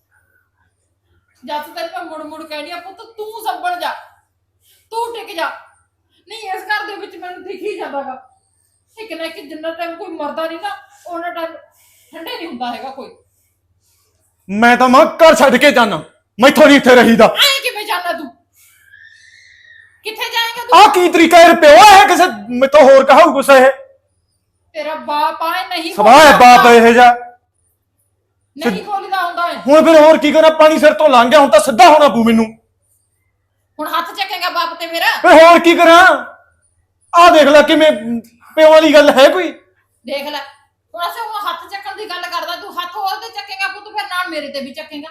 Speaker 5: ਜਦ ਤੱਕ ਮੈਂ ਮੁੜ ਮੁੜ ਕਹਿਣੀ ਆ, ਪੁੱਤ ਤੂੰ ਸੰਭਲ ਜਾ, ਤੂੰ ਟਿਕ ਜਾ। ਨਹੀਂ ਇਸ ਘਰ ਦੇ ਵਿੱਚ ਮੈਨੂੰ ਦਿਖ ਹੀ ਜਾਂਦਾਗਾ, ਇੱਕ ਨਾ ਇੱਕ ਜਿੰਨਾ ਟਾਈਮ ਕੋਈ ਮਰਦਾ ਨਹੀਂ ਨਾ, ਉਹਨਾਂ ਟਾਈਮ ਠੰਡੇ ਨਹੀਂ ਹੁੰਦਾ ਹੈਗਾ ਕੋਈ।
Speaker 3: ਮੈਂ ਤਾਂ ਮਾਂ ਘਰ ਛੱਡ ਕੇ ਜਾਣਾ, ਮੈਥੋਂ ਨਹੀਂ ਇੱਥੇ ਰਹੀਦਾ।
Speaker 5: ਐਂ ਕਿਵੇਂ ਜਾਣਾ ਤੂੰ? ਕਿੱਥੇ ਜਾਏਂਗਾ ਤੂੰ?
Speaker 3: ਆ ਕੀ ਤਰੀਕਾ? ਇਹ ਪਿਓ ਹੈ ਕਿਸੇ ਮੈਥੋਂ ਹੋਰ ਕਹਾਉ ਕੁਛ? ਇਹ
Speaker 5: ਤੇਰਾ ਬਾਪ ਆਏ ਨਹੀਂ
Speaker 3: ਸਵਾਹ ਹੈ ਬਾਪ ਇਹ ਜਾ।
Speaker 5: ਨਹੀਂ ਬੋਲਦਾ ਹੁੰਦਾ ਹੈ।
Speaker 3: ਹੁਣ ਫਿਰ ਹੋਰ ਕੀ ਕਰਾਂ? ਪਾਣੀ ਸਿਰ ਤੋਂ ਲੰਘ ਗਿਆ, ਹੁਣ ਤਾਂ ਸਿੱਧਾ ਹੋਣਾ ਪਊ ਮੈਨੂੰ।
Speaker 5: ਹੁਣ ਹੱਥ ਚੱਕੇਗਾ ਬਾਪ ਤੇ ਮੇਰਾ?
Speaker 3: ਫਿਰ ਹੋਰ ਕੀ ਕਰਾਂ? ਆ ਦੇਖ ਲੈ ਕਿਵੇਂ ਪਿਓ ਵਾਲੀ ਗੱਲ ਹੈ ਕੋਈ?
Speaker 5: ਦੇਖ ਲੈ, ਹੁਣ ਅਸੀਂ ਹੁਣ ਹੱਥ ਚੱਕਣ ਦੀ ਗੱਲ ਕਰਦਾ, ਤੂੰ ਹੱਥ ਹੋਰ ਤੇ ਚੱਕੇਗਾ ਪੁੱਤ, ਫਿਰ ਨਾਲ ਮੇਰੇ ਤੇ ਵੀ ਚੱਕੇਗਾ।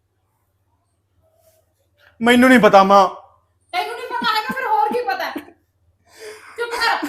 Speaker 3: ਮੈਨੂੰ ਨਹੀਂ ਪਤਾ ਮਾਂ।
Speaker 5: ਤੈਨੂੰ ਨਹੀਂ ਪਤਾ ਹੈਗਾ, ਫਿਰ ਹੋਰ ਕੀ ਪਤਾ? ਚੁੱਪ ਕਰ।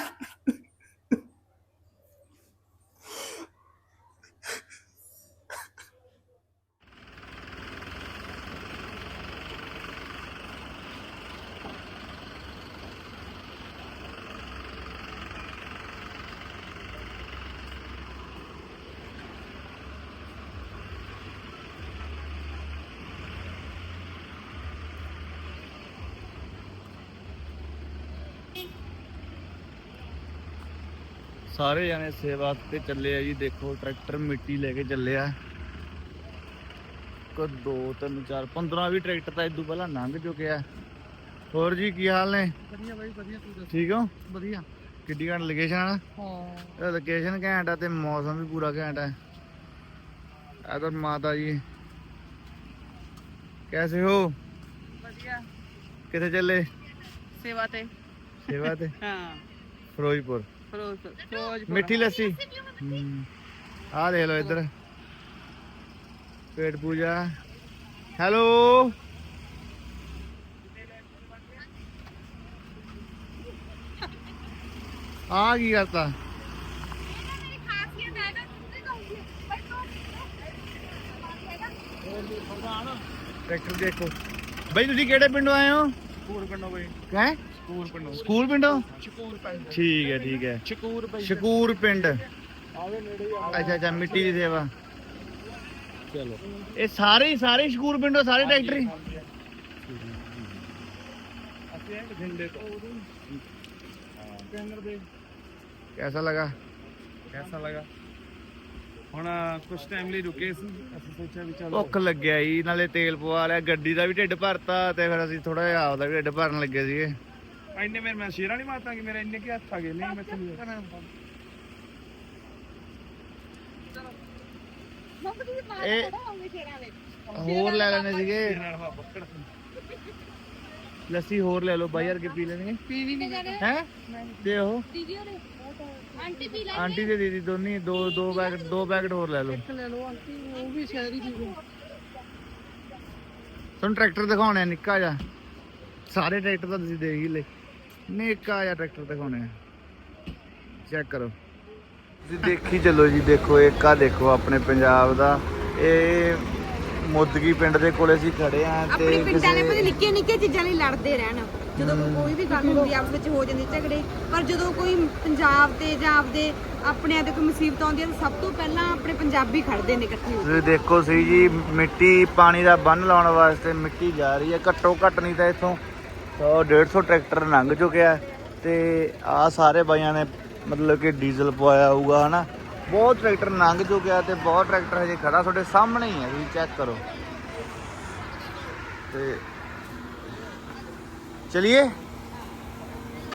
Speaker 7: ਸਾਰੇ ਜਾਣੇ ਸੇਵਾ ਤੇ ਚੱਲੇ ਆ ਜੀ। ਦੇਖੋ ਟਰੈਕਟਰ ਮਿੱਟੀ ਲੈ ਕੇ ਚੱਲੇ ਆ। ਕੋ ਦੋ ਤਿੰਨ ਚਾਰ ਪੰਦਰਾਂ ਵੀ ਟਰੈਕਟਰ ਤਾਂ ਇਦੋਂ ਪਹਿਲਾਂ ਲੰਘ ਚੁੱਕਿਆ। ਹੋਰ ਜੀ ਕੀ ਹਾਲ ਨੇ?
Speaker 2: ਵਧੀਆ ਬਾਈ ਵਧੀਆ, ਤੂੰ ਦੱਸ?
Speaker 7: ਠੀਕ ਹੋ?
Speaker 2: ਵਧੀਆ।
Speaker 7: ਕਿੱਡੀ ਘੰਟ ਲੋਕੇਸ਼ਨ ਆ?
Speaker 2: ਹਾਂ
Speaker 7: ਲੋਕੇਸ਼ਨ ਘੈਂਟ ਆ ਤੇ ਮੌਸਮ ਵੀ ਪੂਰਾ ਘੈਂਟ ਆ। ਇਧਰ ਮਾਤਾ ਜੀ ਕੈਸੇ ਹੋ?
Speaker 8: ਵਧੀਆ।
Speaker 7: ਕਿੱਥੇ ਚੱਲੇ?
Speaker 8: ਸੇਵਾ ਤੇ।
Speaker 7: ਸੇਵਾ ਤੇ?
Speaker 8: ਹਾਂ
Speaker 7: ਫਿਰੋਜ਼ਪੁਰ।
Speaker 8: ਫਿਰੋਜ਼ਪੁਰ ਫਿਰੋਜ਼ਪੁਰ।
Speaker 7: ਮਿੱਠੀ ਲੱਸੀ ਆ ਦੇਖ ਲਓ ਇੱਧਰ ਪੇਟ ਪੂਜਾ। ਹੈਲੋ ਆ ਕੀ ਕਰਤਾ? ਟਰੈਕਟਰ ਦੇਖੋ ਬਈ। ਤੁਸੀਂ ਕਿਹੜੇ ਪਿੰਡੋਂ ਆਏ ਹੋ?
Speaker 3: ਸਕੂਲ ਪਿੰਡੋਂ ਬਈ।
Speaker 7: ਹੈ
Speaker 3: ਸਕੂਲ ਪਿੰਡੋਂ।
Speaker 7: ਸਕੂਲ ਪਿੰਡੋਂ?
Speaker 3: ਸਕੂਲ ਪਿੰਡ।
Speaker 7: ਠੀਕ ਹੈ ਠੀਕ ਹੈ।
Speaker 3: ਸ਼ਕੂਰ ਬਈ।
Speaker 7: ਸ਼ਕੂਰ ਪਿੰਡ।
Speaker 3: ਆਵੇ ਨੇੜੇ ਹੀ ਆ।
Speaker 7: ਅੱਛਾ ਅੱਛਾ ਮਿੱਟੀ ਦੀ ਸੇਵਾ।
Speaker 3: ਚਲੋ
Speaker 7: ਇਹ ਸਾਰੇ ਹੀ ਸਾਰੇ ਸ਼ਕੂਰ ਪਿੰਡੋਂ ਸਾਰੇ ਟਰੈਕਟਰ ਹੀ?
Speaker 3: ਅਸੀਂ ਐਂ ਬਠਿੰਡੇ ਤੋਂ। ਕੈਨਰ ਦੇ।
Speaker 7: कैसा लगा?
Speaker 3: कैसा लगा? ਹੁਣ ਕੁਝ ਟਾਈਮ ਲਈ ਰੁਕੇ ਸੀ। ਅਸੀਂ ਸੋਚਿਆ ਵੀ ਚਲੋ
Speaker 7: ਭੁੱਖ ਲੱਗਿਆ ਜੀ, ਨਾਲੇ ਤੇਲ ਪਵਾ ਲਿਆ, ਗੱਡੀ ਦਾ ਵੀ ਢਿੱਡ ਭਰਤਾ ਤੇ ਫਿਰ ਅਸੀਂ ਥੋੜਾ ਜਿਹਾ ਆਪਦਾ ਵੀ ਢਿੱਡ ਭਰਨ ਲੱਗੇ ਸੀਗੇ।
Speaker 3: ਇੰਨੇ ਮੇਰੇ ਮੈਂ ਸ਼ੇਰਾਂ ਨਹੀਂ ਮਾਰਤਾ ਕਿ ਮੇਰੇ ਇੰਨੇ ਕੀ ਹੱਥ ਆ ਗਏ। ਨਹੀਂ ਮੈਂ ਤੁਹਾਨੂੰ
Speaker 7: ਇਹ ਹੋਰ ਲੈ ਲੈਣੇ ਸੀਗੇ ਲੱਸੀ, ਹੋਰ ਲੈ ਲਓ ਬਾਈ ਯਾਰ ਕੇ ਪੀ ਲੈਣਗੇ।
Speaker 8: ਪੀਣੀ ਨਹੀਂ
Speaker 7: ਹੈ ਤੇ ਉਹ
Speaker 8: ਦੀਦੀ ਹੋਰੇ ਆਂਟੀ ਪੀ ਲੈ।
Speaker 7: ਆਂਟੀ ਤੇ ਦੀਦੀ ਦੋਨੀ ਦੋ ਦੋ ਪੈਕਟ ਦੋ ਪੈਕਟ ਹੋਰ ਲੈ ਲਓ।
Speaker 8: ਲੈ ਲਓ ਆਂਟੀ, ਉਹ ਵੀ ਸ਼ਹਿਰੀ ਪੀ ਲਓ।
Speaker 7: ਤੁਹਾਨੂੰ ਟਰੈਕਟਰ ਦਿਖਾਉਣੇ ਆ ਨਿੱਕਾ ਜਿਹਾ। ਸਾਰੇ ਟਰੈਕਟਰ ਤਾਂ ਤੁਸੀਂ ਦੇਖ ਹੀ ਲਏ। ਨਿੱਕਾ ਜਿਹਾ ਟਰੈਕਟਰ ਦਿਖਾਉਣੇ ਆ, ਚੈੱਕ ਕਰੋ। ਤੁਸੀਂ ਦੇਖੀ ਚੱਲੋ ਜੀ। ਦੇਖੋ ਇੱਕ ਆ ਦੇਖੋ ਆਪਣੇ ਪੰਜਾਬ ਦਾ, ਇਹ ਮੋਦਗੀ ਪਿੰਡ ਦੇ ਕੋਲੇ ਅਸੀਂ ਖੜੇ ਆ ਤੇ
Speaker 9: ਆਪਣੇ ਪਿੰਡਾਂ ਦੇ ਵਿੱਚ ਨਿੱਕੀਆਂ ਨਿੱਕੀਆਂ ਚੀਜ਼ਾਂ ਲਈ ਲੜਦੇ ਰਹਿਣ। ਜਦੋਂ ਕੋਈ ਵੀ ਗੱਲ ਹੁੰਦੀ ਆਪਸ ਵਿੱਚ ਹੋ ਜਾਂਦੀ ਝਗੜੇ, ਪਰ ਜਦੋਂ ਕੋਈ ਪੰਜਾਬ ਤੇ ਜਾਂ ਆਪਦੇ ਆਪਣਿਆਂ ਤੇ ਕੋਈ ਮੁਸੀਬਤ ਆਉਂਦੀ ਹੈ ਤਾਂ ਸਭ ਤੋਂ ਪਹਿਲਾਂ ਆਪਣੇ ਪੰਜਾਬੀ ਖੜਦੇ ਨੇ ਇਕੱਠੇ ਹੋ ਕੇ।
Speaker 7: ਤੁਸੀਂ ਦੇਖੋ ਸਹੀ ਜੀ, ਮਿੱਟੀ ਪਾਣੀ ਦਾ ਬੰਨ ਲਾਉਣ ਵਾਸਤੇ ਮਿੱਟੀ ਜਾ ਰਹੀ ਹੈ। ਘੱਟੋ ਘੱਟ ਨਹੀਂ ਤਾਂ ਇੱਥੋਂ ਸੌ ਡੇਢ ਸੌ ਟਰੈਕਟਰ ਲੰਘ ਚੁੱਕਿਆ ਤੇ ਆ ਸਾਰੇ ਬਾਈਆਂ ਨੇ ਮਤਲਬ ਕਿ ਡੀਜ਼ਲ ਪਵਾਇਆ ਹੋਊਗਾ ਹਨਾ। ਬਹੁਤ ਟਰੈਕਟਰ ਲੰਘ ਚੁੱਕਿਆ ਤੇ ਬਹੁਤ ਟਰੈਕਟਰ ਹਜੇ ਖੜਾ ਤੁਹਾਡੇ ਸਾਹਮਣੇ ਹੀ ਹੈ, ਤੁਸੀਂ ਚੈੱਕ ਕਰੋ। ਤੇ ਚਲਿਏ